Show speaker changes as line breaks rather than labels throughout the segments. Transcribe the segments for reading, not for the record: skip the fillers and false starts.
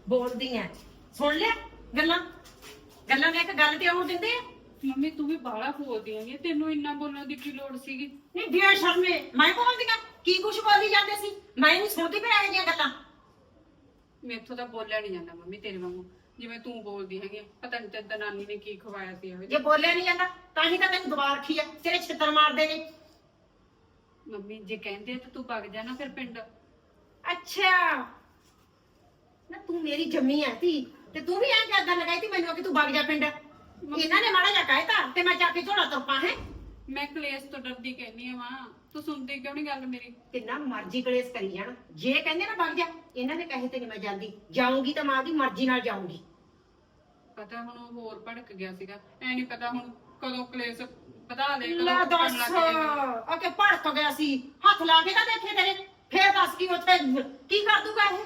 ਬੋਲਦੀ ਐ। ਸੁਣ ਲੈ ਗੱਲਾਂ ਗੱਲਾਂ ਨੇ ਇੱਕ ਗੱਲ ਤੇ ਆਉਣ ਦਿੰਦੇ ਆ।
ਮੰਮੀ ਤੂੰ ਵੀ ਬਾਹਲਾ ਬੋਲਦੀ ਹੈਗੀ, ਤੈਨੂੰ ਇੰਨਾ ਬੋਲਣ ਦੀ ਕੀ ਲੋੜ ਸੀਗੀ?
ਨਹੀਂ ਬੇਸ਼ਰਮੇ ਮੈਂ ਬੋਲਦੀਆਂ ਕੀ ਕੁਛ ਬੋਲੀ ਜਾਂਦੇ ਸੀ। ਮੈਂ ਨਹੀਂ ਸੁਣਦੀ ਫਿਰ ਇਹੋ ਜਿਹੀਆਂ ਗੱਲਾਂ।
ਮੈਥੋਂ ਤਾਂ ਬੋਲਿਆ ਨਹੀਂ ਜਾਂਦਾ ਮੰਮੀ ਤੇਰੇ ਵਾਂਗੂ, ਜਿਵੇਂ ਤੂੰ ਬੋਲਦੀ ਹੈਗੀ। ਪਤਾ ਨਹੀਂ ਤੇ ਨਾਨੀ ਨੇ ਕੀ ਖਵਾਇਆ ਸੀ ਇਹੋ
ਜੇ
ਜਿਹਾ।
ਬੋਲਿਆ ਨਹੀਂ ਜਾਂਦਾ ਤਾਂ ਹੀ ਤਾਂ ਤੈਨੂੰ ਦਬਾ ਰੱਖੀ ਆ, ਤੇਰੇ ਛਿੱਤਰ ਮਾਰਦੇ ਨੇ।
ਮੰਮੀ ਜੇ ਕਹਿੰਦੇ ਆ ਤਾਂ ਤੂੰ ਵਗ ਜਾ ਨਾ ਫਿਰ ਪਿੰਡ।
ਅੱਛਾ ਨਾ ਤੂੰ ਮੇਰੀ ਜੰਮੀ ਆ ਧੀ ਤੇ ਤੂੰ ਵੀ ਐਂ ਕਿੱਦਾਂ ਲਗਾਈ ਤੀ ਮੈਨੂੰ ਕਿ ਤੂੰ ਵਗ ਜਾ ਪਿੰਡ। ਇਹਨਾਂ ਨੇ ਮਾੜਾ ਜਿਹਾ ਕਹਿਤਾ ਤੇ ਮੈਂ ਜਾ ਕੇ ਝੋਲਾ ਤੁਰਪਾਂ ਹੈ।
ਮੈਂ ਕਲੇਸ਼ ਤੋਂ ਡਰਦੀ ਕਹਿੰਨੀ ਆ ਮਾਂ, ਤੂੰ ਸੁਣਦੀ ਕਿਉਂ ਨਹੀਂ ਗੱਲ ਮੇਰੀ?
ਕਿੰਨਾ ਮਰਜ਼ੀ ਕਲੇਸ਼ ਕਰੀ ਜਾਣ, ਜੇ ਕਹਿੰਦੇ ਨਾ ਵਗ ਜਾ, ਇਹਨਾਂ ਦੇ ਕਹੇ ਤੇ ਨਹੀਂ ਮੈਂ ਜਾਂਦੀ। ਜਾਊਂਗੀ ਤਾਂ ਮਾਂ ਦੀ ਮਰਜ਼ੀ ਨਾਲ ਜਾਊਂਗੀ।
ਪਤਾ ਹੁਣ ਉਹ ਹੋਰ ਭੜਕ ਗਿਆ ਸੀਗਾ, ਐ ਨਹੀਂ ਪਤਾ ਹੁਣ ਕਦੋਂ ਕਲੇਸ਼ ਵਧਾ ਦੇ
ਲੈ ਦੱਸ ਆ ਕੇ ਭੜਕ ਗਿਆ ਸੀ। ਹੱਥ ਲਾ ਕੇ ਤਾਂ ਦੇਖੇ ਤੇਰੇ, ਫੇਰ ਦੱਸ ਕੀ ਉੱਥੇ ਕੀ ਕਰ ਦੂਗਾ ਇਹ।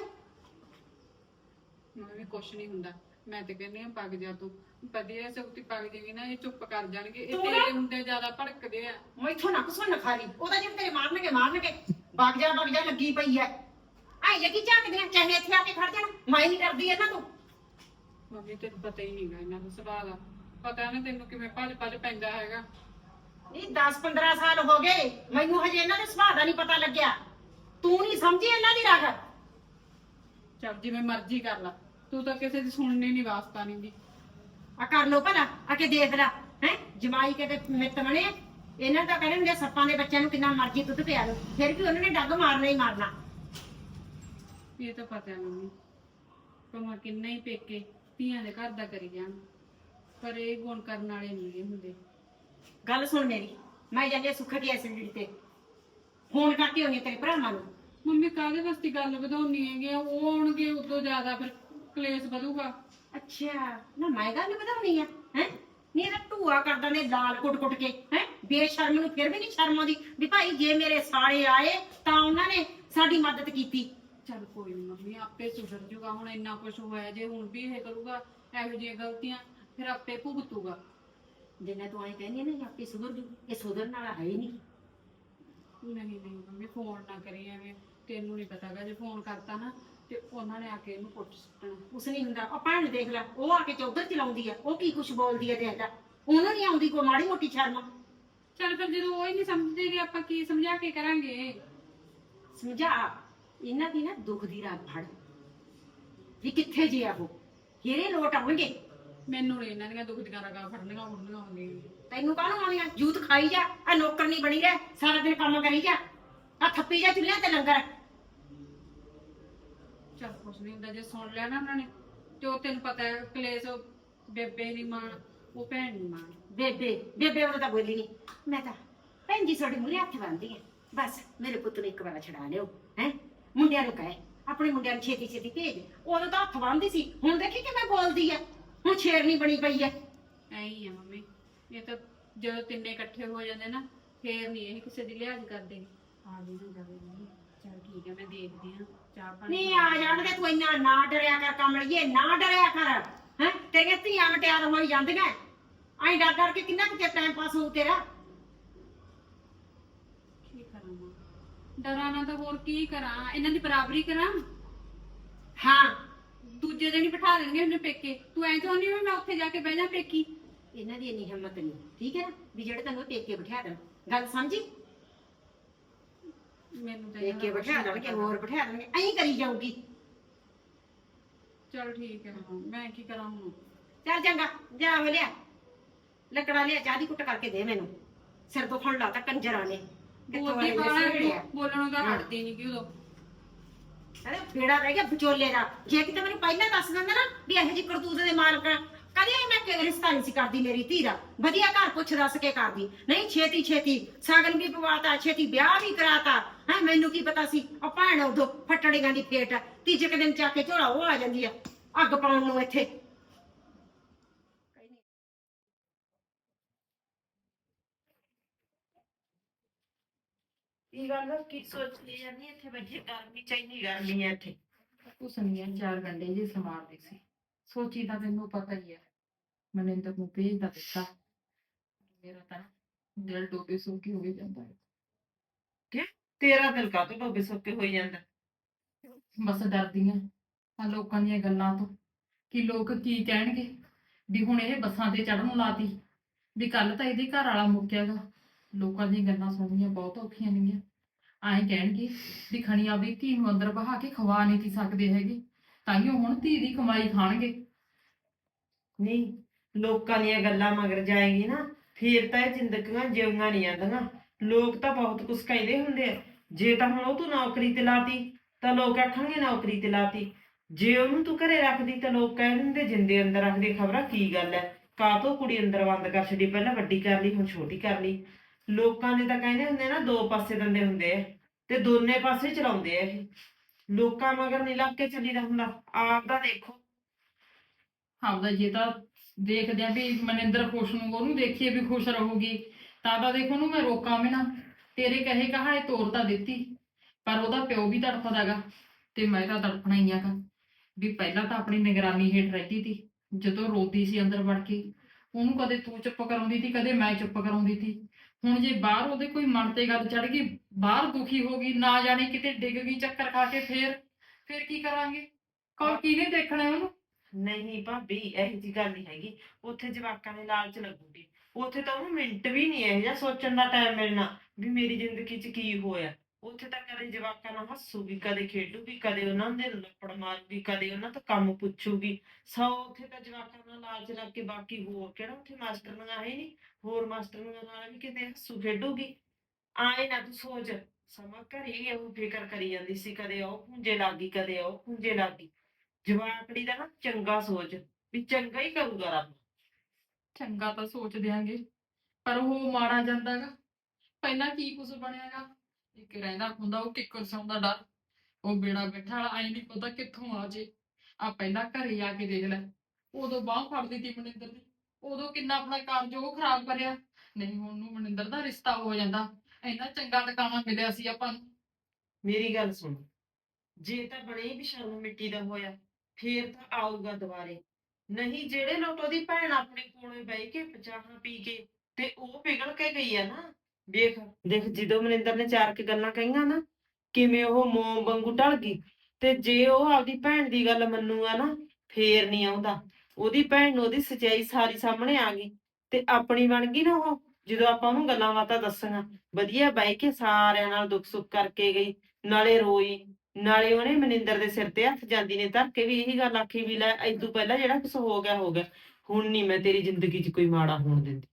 ਮੈਂ ਵੀ ਕੁਛ ਨਹੀਂ ਹੁੰਦਾ। ਮੈਂ ਤੇ ਕਹਿੰਦੀ ਆ ਪੱਗ ਜਾ ਤੂੰ, ਵਧੀਆ ਸਗਤੀ ਪੱਗ ਜਾਏਗੀ ਨਾ ਇਹ ਚੁੱਪ ਕਰ ਜਾਣਗੇ। ਇਹ
ਤੂੰ
ਤੇਰੇ
ਨਾ-
ਹੁੰਦੇ ਜ਼ਿਆਦਾ ਭੜਕਦੇ ਆ।
ਮੈਥੋਂ ਨਾ ਕੁਸੋਂ ਨਖਾਰੀ ਉਹਦਾ ਜਿਵੇਂ ਤੇਰੇ ਮਾਰਨਗੇ ਵਗ ਜਾ ਲੱਗੀ ਪਈ ਐ। ਐ ਲੱਗੀ ਝਾਕਦੇ ਆ, ਚਾਹੇ ਇੱਥੇ ਆ ਕੇ ਖੜ ਜਾਣ, ਮੈਂ ਨਹੀਂ ਡਰਦੀ ਇਹਨਾਂ ਤੋਂ।
ਮੰਮੀ ਤੈਨੂੰ ਪਤਾ ਹੀ ਨਹੀਂਗਾ ਇਹਨਾਂ ਦਾ ਸੁਭਾਅ ਦਾ। ਪਤਾ ਨਾ ਤੈਨੂੰ ਕਿਵੇਂ ਭੱਜ ਪੈਂਦਾ ਹੈਗਾ।
ਇਹ 10-15 ਸਾਲ ਹੋ ਗਏ ਮੈਨੂੰ ਹਜੇ ਇਹਨਾਂ ਦੇ ਸੁਭਾਅ ਦਾ ਨਹੀਂ ਪਤਾ ਲੱਗਿਆ। ਤੂੰ ਨਹੀਂ ਸਮਝੀ ਇਹਨਾਂ ਦੀ ਰਗ।
ਚੱਲ ਜਿਵੇਂ ਮਰਜ਼ੀ ਕਰ ਲਾ, ਤੂੰ ਤਾਂ ਕਿਸੇ ਦੀ ਸੁਣਨੀ ਨਹੀਂ, ਵਾਸਤਾ ਨਹੀਂ ਦੀ।
ਆ ਕਰ ਲੋ ਭਲਾ ਆ ਕੇ ਦੇਖ ਲੈ ਹੈ ਜਮਾਈ ਕੇ ਤੇ ਮਿੱਤ ਬਣੇ। ਇਹਨਾਂ ਦਾ ਕਹਿਣਗੇ ਸੱਪਾਂ ਦੇ ਬੱਚਿਆਂ ਨੂੰ ਕਿੰਨਾ ਮਰਜ਼ੀ ਦੁੱਧ ਪਿਆ ਲੋ, ਫਿਰ ਵੀ ਉਹਨਾਂ ਨੇ ਡੱਗ ਮਾਰਨਾ ਹੀ ਮਾਰਨਾ।
ਇਹ ਤਾਂ ਪਤਾ ਮੰਮੀ, ਭਾਵੇਂ ਕਿੰਨਾ ਹੀ ਪੇਕੇ ਧੀਆਂ ਦੇ ਘਰ ਦਾ ਕਰੀ ਜਾਣ, ਪਰ ਇਹ ਗੁਣ ਕਰਨ ਵਾਲੇ ਨਹੀਂ ਹੁੰਦੇ।
ਗੱਲ ਸੁਣ ਮੇਰੀ, ਮੈਂ ਜਾਂਦੀ ਆ ਸੁੱਖ ਦੀ ਐਸਿਡਿਟੀ ਤੇ ਫੋਨ ਕਰਕੇ ਹੋਣੀ ਤੇਰੇ ਭਰਾਵਾਂ ਨੂੰ।
ਮੰਮੀ ਕਾਹਦੇ ਵਾਸਤੇ ਗੱਲ ਵਧਾਉਣੀ ਹੈਗੀ? ਉਹ ਆਉਣਗੇ ਉਦੋਂ ਜ਼ਿਆਦਾ ਫਿਰ ਕਲੇਸ਼ ਵਧੂਗਾ।
ਅੱਛਾ ਨਾ ਮੈਂ ਗੱਲ ਵਧਾਉਣੀ ਆ ਹੈ ਨਹੀਂ ਇਹਦਾ ਢੂਆ ਕਰਦਾ ਨੇ ਲਾਲ ਕੁੱਟ ਕੇ ਹੈ। ਬੇਸ਼ਰਮ ਨੂੰ ਫਿਰ ਵੀ ਨਹੀਂ ਸ਼ਰਮ ਆਉਂਦੀ ਵੀ ਭਾਈ ਜੇ ਮੇਰੇ ਸਾਲੇ ਆਏ ਤਾਂ ਉਹਨਾਂ ਨੇ ਸਾਡੀ ਮਦਦ ਕੀਤੀ।
ਚੱਲ ਕੋਈ ਨੀ ਮੰਮੀ, ਆਪੇ ਸੁਧਰ ਜੂਗਾ। ਹੁਣ ਇੰਨਾ ਕੁਝ ਹੋਇਆ, ਜੇ ਹੁਣ ਵੀ ਇਹ ਕਰੂਗਾ ਇਹੋ ਜਿਹੀਆਂ ਗਲਤੀਆਂ, ਫਿਰ ਆਪੇ ਭੁਗਤੂਗਾ।
ਜਿੰਨਾ ਤੂੰ ਐਂ ਕਹਿੰਦੀ ਆ ਨਾ ਆਪੇ ਸੁਧਰ ਜੂ, ਇਹ ਸੁਧਰਨ ਵਾਲਾ ਹੈ ਹੀ ਨਹੀਂ।
ਨਹੀਂ ਮੰਮੀ ਫੋਨ ਨਾ ਕਰੀ ਐਵੇਂ, ਤੈਨੂੰ ਨਹੀਂ ਪਤਾਗਾ ਜੇ ਫੋਨ ਕਰਤਾ ਨਾ ਤੇ ਉਹਨਾਂ ਨੇ ਆ ਕੇ ਇਹਨੂੰ ਪੁੱਟ ਸੁੱਟਣਾ।
ਕੁਛ ਨਹੀਂ ਹੁੰਦਾ। ਉਹ ਭੈਣ ਦੇਖ ਲੈ, ਉਹ ਆ ਕੇ ਚੌਧਰ ਚਲਾਉਂਦੀ ਆ, ਉਹ ਕੀ ਕੁਛ ਬੋਲਦੀ ਆ ਦੇਖ ਲੈ। ਉਹਨੂੰ ਨਹੀਂ ਆਉਂਦੀ ਕੋਈ ਮਾੜੀ ਮੋਟੀ ਸ਼ਰਮ।
ਚੱਲ ਫਿਰ ਜਦੋਂ ਉਹ ਹੀ ਨਹੀਂ ਸਮਝਦੇ ਆਪਾਂ ਕੀ ਸਮਝਾ ਕੇ ਕਰਾਂਗੇ?
ਸਮਝਾ ਇਹਨਾਂ ਦੀ ਨਾ ਦੁੱਖ ਦੀ ਰਾਤ ਫੜ ਵੀ ਕਿੱਥੇ ਜੇ ਆ ਉਹ ਹੀਰੇ ਲੋਟ ਆਉਣਗੇ।
ਮੈਨੂੰ ਨਹੀਂ ਇਹਨਾਂ ਦੀਆਂ ਦੁੱਖ ਦੀਆਂ ਰਗਾਂ ਫੜਨੀਆਂ ਹੁੰਦੀਆਂ।
ਤੈਨੂੰ ਕਾਹਨੂੰ ਆਉਣੀਆਂ? ਜੂਤ ਖਾਈ ਜਾ, ਆ ਨੌਕਰ ਨਹੀਂ ਬਣੀ ਰਹਿ, ਸਾਰਾ ਦਿਨ ਕੰਮ ਕਰੀ ਜਾ, ਆ ਥੱਪੀ ਜਾ ਚੁੱਲ੍ਹਿਆਂ ਤੇ ਲੰਗਰ।
ਚੱਲ ਕੁਛ ਨਹੀਂ ਹੁੰਦਾ, ਜੇ ਸੁਣ ਲਿਆ ਨਾ ਉਹਨਾਂ ਨੇ ਤੇ ਉਹ ਤੈਨੂੰ ਪਤਾ ਹੈ ਕਲੇਸ਼ ਬੇਬੇ ਨਹੀਂ ਮਾਣ, ਉਹ ਭੈਣ ਨਹੀਂ ਮਾਣ।
ਬੇਬੇ ਉਹ ਤਾਂ ਬੋਲੀ ਨਹੀਂ। ਮੈਂ ਤਾਂ ਭੈਣ ਜੀ ਤੁਹਾਡੇ ਮੂਹਰੇ ਹੱਥ ਬੰਨ੍ਹਦੀ ਆ, ਬਸ ਮੇਰੇ ਪੁੱਤ ਨੂੰ ਇੱਕ ਵਾਰ ਛਡਾ ਲਿਓ ਹੈ। ਮੁੰਡਿਆਂ ਨੂੰ ਕਹੇ ਆਪਣੇ ਮੁੰਡਿਆਂ ਨੂੰ ਛੇਤੀ ਛੇਤੀ ਭੇਜ। ਉਦੋਂ ਤਾਂ ਹੱਥ ਬੰਨ੍ਹਦੀ ਸੀ, ਹੁਣ ਦੇਖੀ ਕਿਵੇਂ ਬੋਲਦੀ ਆ, ਹੁਣ ਸ਼ੇਰਨੀ ਬਣੀ ਪਈ ਆ।
ਐਂ ਹੀ ਆ ਮੰਮੀ, ਇਹ ਤਾਂ ਜਦੋਂ ਤਿੰਨੇ ਇਕੱਠੇ ਹੋ ਜਾਂਦੇ ਨਾ ਫੇਰ ਨਹੀਂ ਇਹ ਕਿਸੇ ਦੀ ਲਿਹਾਜ਼ ਕਰਦੇ। ਆ ਜੀ ਨਾ ਜਾਵੇ ਮੰਮੀ, ਚੱਲ ਠੀਕ ਹੈ ਮੈਂ ਦੇਖਦੀ ਹਾਂ ਚਾਹ ਪਾਣੀ।
ਨਹੀਂ ਆ ਜਾਣਗੇ, ਤੂੰ ਇੰਨਾ ਨਾ ਡਰਿਆ ਕਰ ਕਮਲੀਏ, ਨਾ ਡਰਿਆ ਕਰ ਹੈ। ਤੇਰੀਆਂ ਧੀਆਂ ਮਟਿਆਰ ਹੋਈ ਜਾਂਦੀਆਂ, ਐਂ ਡਰ ਕੇ ਕਿੰਨਾ ਕੁ ਚਿਰ ਟਾਈਮ ਪਾਸ ਹੋਊ ਤੇਰਾ।
ਕੀ ਕਰਾਂ ਮਾਂ, ਡਰਾਂ ਨਾ ਤਾਂ ਹੋਰ ਕੀ ਕਰਾਂ, ਇਹਨਾਂ ਦੀ ਬਰਾਬਰੀ ਕਰਾਂ।
ਹਾਂ
ਦੂਜੇ ਦਿਨ ਹੀ ਬਿਠਾ ਦੇਣਗੇ ਉਹਨੇ ਪੇਕੇ। ਤੂੰ ਐਂ ਚਾਹੁੰਦੀ ਵੀ ਮੈਂ ਉੱਥੇ ਜਾ ਕੇ ਬਹਿ ਜਾ ਪੇਕੀ?
ਇਹਨਾਂ ਦੀ ਇੰਨੀ ਹਿੰਮਤ ਨਹੀਂ, ਠੀਕ ਹੈ ਨਾ, ਵੀ ਜਿਹੜੇ ਤੈਨੂੰ ਪੇਕੇ ਬਿਠਾ ਦੇਣ। ਗੱਲ ਸਮਝੀ?
ਮੈਨੂੰ ਤਾਂ
ਪੇਕੇ ਬਿਠਾ ਦੇਣਗੇ, ਹੋਰ ਬਿਠਾ ਦੇਣਗੇ, ਐਂ ਕਰੀ ਜਾਊਗੀ।
ਚਲ ਠੀਕ ਹੈ ਮਾਂ, ਮੈਂ ਕੀ ਕਰਾਂ ਹੁਣ?
ਚੱਲ ਚੰਗਾ ਜਾ ਹੋ ਲਿਆ ਲੱਕੜਾ ਲਿਆ, ਚਾਹ ਦੀ ਕੁੱਟ ਕਰਕੇ ਦੇ ਮੈਨੂੰ। ਸਿਰ ਦੁਖਣ ਲਾਤਾ ਕੰਜਰਾਂ ਨੇ।
ਬੋਲਦੀ ਬਾਹਰ ਬੋਲਣੋਂ ਤਾਂ ਹਟਦੀ ਨਹੀਂ ਕਿ ਉਦੋਂ।
ਅਰੇ ਫੇੜਾ ਰਹਿ ਗਿਆ ਵਿਚੋਲੇ ਦਾ। ਜੇ ਕਿਤੇ ਮੈਨੂੰ ਪਹਿਲਾਂ ਦੱਸ ਦਿੰਦਾ ਨਾ ਵੀ ਇਹੋ ਜਿਹੀ ਕਰਤੂਤ ਦੇ ਮਾਲਕ ਆ, ਕਦੇ ਮੈਂ ਰਿਸ਼ਤਾ ਨਹੀਂ ਸੀ ਕਰਦੀ ਮੇਰੀ ਧੀ ਦਾ। ਵਧੀਆ ਘਰ ਪੁੱਛ ਦੱਸ ਕੇ ਕਰਦੀ, ਨਹੀਂ ਛੇਤੀ ਛੇਤੀ ਸਾਗਨ ਵੀ ਪਵਾਤਾ, ਛੇਤੀ ਵਿਆਹ ਵੀ ਕਰਾਤਾ ਹੈ। ਮੈਨੂੰ ਕੀ ਪਤਾ ਸੀ ਉਹ ਭੈਣ ਉਦੋਂ ਫੱਟੜੀਆਂ ਦੀ ਫੇਟ। ਤੀਜੇ ਕੁ ਦਿਨ ਚੱਕ ਕੇ ਝੋਲਾ ਉਹ ਆ ਜਾਂਦੀ ਆ ਅੱਗ ਪਾਉਣ ਨੂੰ ਇੱਥੇ। ਕੀ ਗੱਲ ਕੀ ਸੋਚਦੀ ਜਾਂਦੀ ਇੱਥੇ ਬੈਠੀ? ਗਰਮੀ ਚਾਹੀਦੀ, ਗਰਮੀ ਹੈ ਇੱਥੇ।
ਕੁਛ ਨਹੀਂ ਹੈ, ਚਾਰ ਗੰਡੇ ਜੀ ਸਮਾਰਦੀ ਸੀ। ਸੋਚੀ ਤਾਂ ਤੈਨੂੰ ਪਤਾ ਹੀ ਹੈ, ਮਨਿੰਦਰ ਨੂੰ ਭੇਜ ਦਾ ਦਿੱਤਾ। ਮੇਰਾ ਤਾਂ ਦਿਲ ਡੋਬੇ ਸੁੱਕੀ ਹੋ ਜਾਂਦਾ ਹੈ।
ਕਿ ਤੇਰਾ ਦਿਲ ਕਾਹਤੋਂ ਡੋਬੇ ਸੁੱਕੇ ਹੋਈ ਜਾਂਦਾ?
ਬਸ ਡਰਦੀ ਆ ਆ ਲੋਕਾਂ ਦੀਆਂ ਗੱਲਾਂ ਤੋਂ ਕਿ ਲੋਕ ਕੀ ਕਹਿਣਗੇ ਵੀ ਹੁਣ ਇਹ ਬੱਸਾਂ ਤੇ ਚੜਨ ਲਾਤੀ ਵੀ ਕੱਲ ਤਾਂ ਇਹਦੇ ਘਰ ਵਾਲਾ ਮੁੱਕਿਆਗਾ। ਲੋਕਾਂ ਦੀਆਂ ਗੱਲਾਂ ਸੁਣਨੀਆਂ ਬਹੁਤ ਔਖੀਆਂ ਨੇਗੀਆਂ। ਐਂ ਕਹਿਣਗੇ ਵੀ ਖਣੀ ਆਪਦੀ ਧੀ ਨੂੰ ਅੰਦਰ ਬਹਾ ਕੇ ਖਵਾ ਨਹੀਂ ਤੀ ਸਕਦੇ ਹੈਗੇ, ਤਾਂਹੀਓ ਹੁਣ ਧੀ ਦੀ ਕਮਾਈ ਖਾਣਗੇ।
ਨਹੀਂ, ਲੋਕਾਂ ਦੀਆਂ ਗੱਲਾਂ ਮਗਰ ਜਾਏਗੀ ਨਾ, ਫੇਰ ਤਾਂ ਇਹ ਜ਼ਿੰਦਗੀਆਂ ਜਿਉੀਆਂ ਨਹੀਂ ਜਾਂਦੀਆਂ। ਲੋਕ ਤਾਂ ਬਹੁਤ ਕੁਛ ਕਹਿੰਦੇ ਹੁੰਦੇ ਆ। ਜੇ ਤਾਂ ਹੁਣ ਉਹ ਤੂੰ ਨੌਕਰੀ ਤੇ ਲਾਤੀ ਤਾਂ ਲੋਕ ਆਖਣਗੇ ਨੌਕਰੀ ਤੇ ਲਾਤੀ। ਜੇ ਉਹਨੂੰ ਤੂੰ ਘਰੇ ਰੱਖਦੀ ਤਾਂ ਲੋਕ ਕਹਿ ਦਿੰਦੇ ਜਿੰਦੇ ਅੰਦਰ ਰੱਖਦੇ, ਖਬਰਾਂ ਕੀ ਗੱਲ ਹੈ, ਕਾਹਤੋਂ ਕੁੜੀ ਅੰਦਰ ਬੰਦ ਕਰ ਛੱਡੀ, ਪਹਿਲਾਂ ਵੱਡੀ ਕਰ ਲਈ ਹੁਣ ਛੋਟੀ ਕਰ ਲਈ। ਲੋਕਾਂ ਦੇ ਤਾਂ ਕਹਿੰਦੇ ਹੁੰਦੇ ਨਾ, ਦੋ ਪਾਸੇ ਦੰਦੇ ਹੁੰਦੇ ਆ ਤੇ ਦੋਨੇ ਪਾਸੇ ਚਲਾਉਂਦੇ ਆ ਇਹ। ਲੋਕਾਂ ਮਗਰ ਨਹੀਂ ਲੱਗ ਕੇ ਚੱਲੀਦਾ ਹੁੰਦਾ, ਆਪ ਦਾ ਦੇਖੋ।
ਆਪਦਾ ਜੇ ਤਾਂ ਦੇਖਦੇ ਆ ਵੀ ਮਨਿੰਦਰ ਖੁਸ਼ ਨੂੰ, ਉਹਨੂੰ ਦੇਖੀਏ ਵੀ ਖੁਸ਼ ਰਹੂਗੀ, ਤਾਂ ਦੇਖੋ ਉਹਨੂੰ ਮੈਂ ਰੋਕਾਂ ਵੀ ਨਾ। ਤੇਰੇ ਕਹੇ ਕਹਾ ਇਹ ਤੋਰ ਤਾਂ ਦਿੱਤੀ, ਪਰ ਉਹਦਾ ਪਿਓ ਵੀ ਤੜਫਦਾਗਾ ਤੇ ਮੈਂ ਤਾਂ ਤੜਫਣਾ ਹੀ ਆਗਾ। ਵੀ ਪਹਿਲਾਂ ਤਾਂ ਆਪਣੀ ਨਿਗਰਾਨੀ ਹੇਠ ਰਹਿੰਦੀ ਸੀ, ਜਦੋਂ ਰੋਂਦੀ ਸੀ ਅੰਦਰ ਵੜ ਕੇ ਉਹਨੂੰ ਕਦੇ ਤੂੰ ਚੁੱਪ ਕਰਾਉਂਦੀ ਸੀ, ਕਦੇ ਮੈਂ ਚੁੱਪ ਕਰਾਉਂਦੀ ਸੀ। ਹੁਣ ਜੇ ਬਾਹਰ ਉਹਦੇ ਕੋਈ ਮਨ ਤੇ ਗੱਲ ਚੜ ਗਈ, ਬਾਹਰ ਦੁਖੀ ਹੋ ਗਈ, ਨਾ ਜਾਣੇ ਕਿਤੇ ਡਿੱਗ ਗਈ ਚੱਕਰ ਖਾ ਕੇ, ਫੇਰ ਕੀ ਕਰਾਂਗੇ? ਕੋਲ ਕਿਹਨੇ ਦੇਖਣਾ ਉਹਨੂੰ?
ਨਹੀਂ ਭਾਬੀ, ਇਹੋ ਜੀ ਗੱਲ ਨਹੀਂ ਹੈਗੀ। ਉੱਥੇ ਜਵਾਕਾਂ ਦੇ ਲਾਲਚ ਲੱਗੂਗੀ। ਉੱਥੇ ਤਾਂ ਉਹਨੂੰ ਮਿੰਟ ਵੀ ਨਹੀਂ ਇਹੋ ਜਿਹਾ ਸੋਚਣ ਦਾ ਟਾਈਮ ਮਿਲਣਾ ਵੀ ਮੇਰੀ ਜ਼ਿੰਦਗੀ 'ਚ ਕੀ ਹੋਇਆ। ਉੱਥੇ ਤਾਂ ਕਦੇ ਜਵਾਕਾਂ ਨਾਲ ਹੱਸੂਗੀ, ਕਦੇ ਖੇਡੂਗੀ, ਕਦੇ ਉਹਨਾਂ ਦੇ ਲੱਪੜ ਮਾਰੂਗੀ, ਕਦੇ ਉਹਨਾਂ ਤੋਂ ਕੰਮ ਪੁੱਛੂਗੀ। ਉੱਥੇ ਤਾਂ ਜਵਾਕਾਂ ਨਾਲ ਲਾਲਚ ਲੱਗ ਕੇ, ਬਾਕੀ ਹੋਰ ਕਿਹੜਾ ਉੱਥੇ ਮਾਸਟਰਨੀਆਂ ਹੈ ਨਹੀਂ, ਹੋਰ ਮਾਸਟਰਨੀਆਂ ਨਾਲ ਵੀ ਕਿਤੇ ਹੱਸੂ ਖੇਡੂਗੀ। ਆਏ ਨਾ ਤੂੰ ਸੋਚ, ਸਮਾਂ ਘਰੇ ਉਹ ਫਿਕਰ ਕਰੀ ਜਾਂਦੀ ਸੀ, ਕਦੇ ਉਹ ਪੁੰਜੇ ਲੱਗ ਗਈ, ਕਦੇ ਉਹ ਪੁੰਜੇ ਲੱਗ ਗਈ। ਜਵਾਕੜੀ ਦਾ ਨਾ ਚੰਗਾ ਸੋਚ, ਵੀ ਚੰਗਾ ਹੀ ਕਰੂਗਾ ਰੱਬ।
ਚੰਗਾ ਤਾਂ ਸੋਚ ਦਿਆਂਗੇ, ਪਰ ਉਹ ਮਾਰਾ ਜਾਂਦਾਗਾ। ਪਹਿਲਾਂ ਕੀ ਕੁਛ ਬਣਿਆਗਾ? ਇੱਕ ਰਹਿੰਦਾ ਹੁੰਦਾ ਉਹ ਕਿੱਕਰ ਸੌਂ ਦਾ ਡਰ, ਉਹ ਬੇੜਾ ਬੈਠਾ ਵਾਲਾ ਐ ਨਹੀਂ ਪਤਾ ਕਿੱਥੋਂ ਆ ਜੇ। ਆ ਪਹਿਲਾਂ ਘਰੇ ਆ ਕੇ ਦੇਖ ਲੈ, ਉਦੋਂ ਬਾਂਹ ਫੜਦੀ ਤੀ ਮਨਿੰਦਰ ਦੀ, ਉਦੋਂ ਕਿੰਨਾ ਆਪਣਾ ਕਾਰਜ ਉਹ ਖਰਾਬ ਕਰਿਆ। ਨਹੀਂ ਹੁਣ ਨੂੰ ਮਨਿੰਦਰ ਦਾ ਰਿਸ਼ਤਾ ਹੋ ਜਾਂਦਾ, ਇੰਨਾ ਚੰਗਾ ਟਿਕਾਣਾ ਮਿਲਿਆ ਸੀ ਆਪਾਂ ਨੂੰ।
ਮੇਰੀ ਗੱਲ ਸੁਣ, ਜੇ ਤਾਂ ਬਣੇ ਵੀ ਸ਼ਰਮ ਮਿੱਟੀ ਦਾ ਹੋਇਆ, ਫੇਰ ਤਾਂ ਆਊਗਾ ਦੁਬਾਰੇ। ਨਹੀਂ, ਜਿਹੜੇ ਲੋਕ ਉਹਦੀ ਭੈਣ ਆਪਣੇ ਕੋਲੇ ਬਹਿ ਕੇ ਚਾਹਾਂ ਪੀ ਕੇ ਤੇ ਉਹ ਪਿਘਲ ਕੇ ਗਈ ਆ ਨਾ। ਦੇਖ ਦੇਖ, ਜਦੋਂ ਮਨਿੰਦਰ ਨੇ ਚਾਰ ਕੁ ਗੱਲਾਂ ਕਹੀਆਂ ਨਾ, ਕਿਵੇਂ ਉਹ ਮੋਮ ਵਾਂਗੂ ਢਲ ਗਈ। ਤੇ ਜੇ ਉਹ ਆਪਦੀ ਭੈਣ ਦੀ ਗੱਲ ਮੰਨੂਗਾ ਨਾ, ਫੇਰ ਨਹੀਂ ਆਉਂਦਾ। ਉਹਦੀ ਭੈਣ ਨੂੰ ਉਹਦੀ ਸੱਚਾਈ ਸਾਰੀ ਸਾਹਮਣੇ ਆ ਗਈ ਤੇ ਆਪਣੀ ਬਣ ਗਈ ਨਾ ਉਹ। ਜਦੋਂ ਆਪਾਂ ਉਹਨੂੰ ਗੱਲਾਂ ਬਾਤਾਂ ਦੱਸਾਂਗਾ, ਵਧੀਆ ਬਹਿ ਕੇ ਸਾਰਿਆਂ ਨਾਲ ਦੁੱਖ ਸੁੱਖ ਕਰਕੇ ਗਈ, ਨਾਲੇ ਰੋਈ, ਨਾਲੇ ਉਹਨੇ ਮਨਿੰਦਰ ਦੇ ਸਿਰ ਤੇ ਹੱਥ ਜਾਂਦੀ ਨੇ ਧਰ ਕੇ ਵੀ ਇਹੀ ਗੱਲ ਆਖੀ ਵੀ ਲੈ ਏਦੂ ਪਹਿਲਾਂ ਜਿਹੜਾ ਕੁਛ ਹੋ ਗਿਆ ਹੋ ਗਿਆ, ਹੁਣ ਨਹੀਂ ਮੈਂ ਤੇਰੀ ਜ਼ਿੰਦਗੀ 'ਚ ਕੋਈ ਮਾੜਾ ਹੋਣ ਦਿੰਦੀ।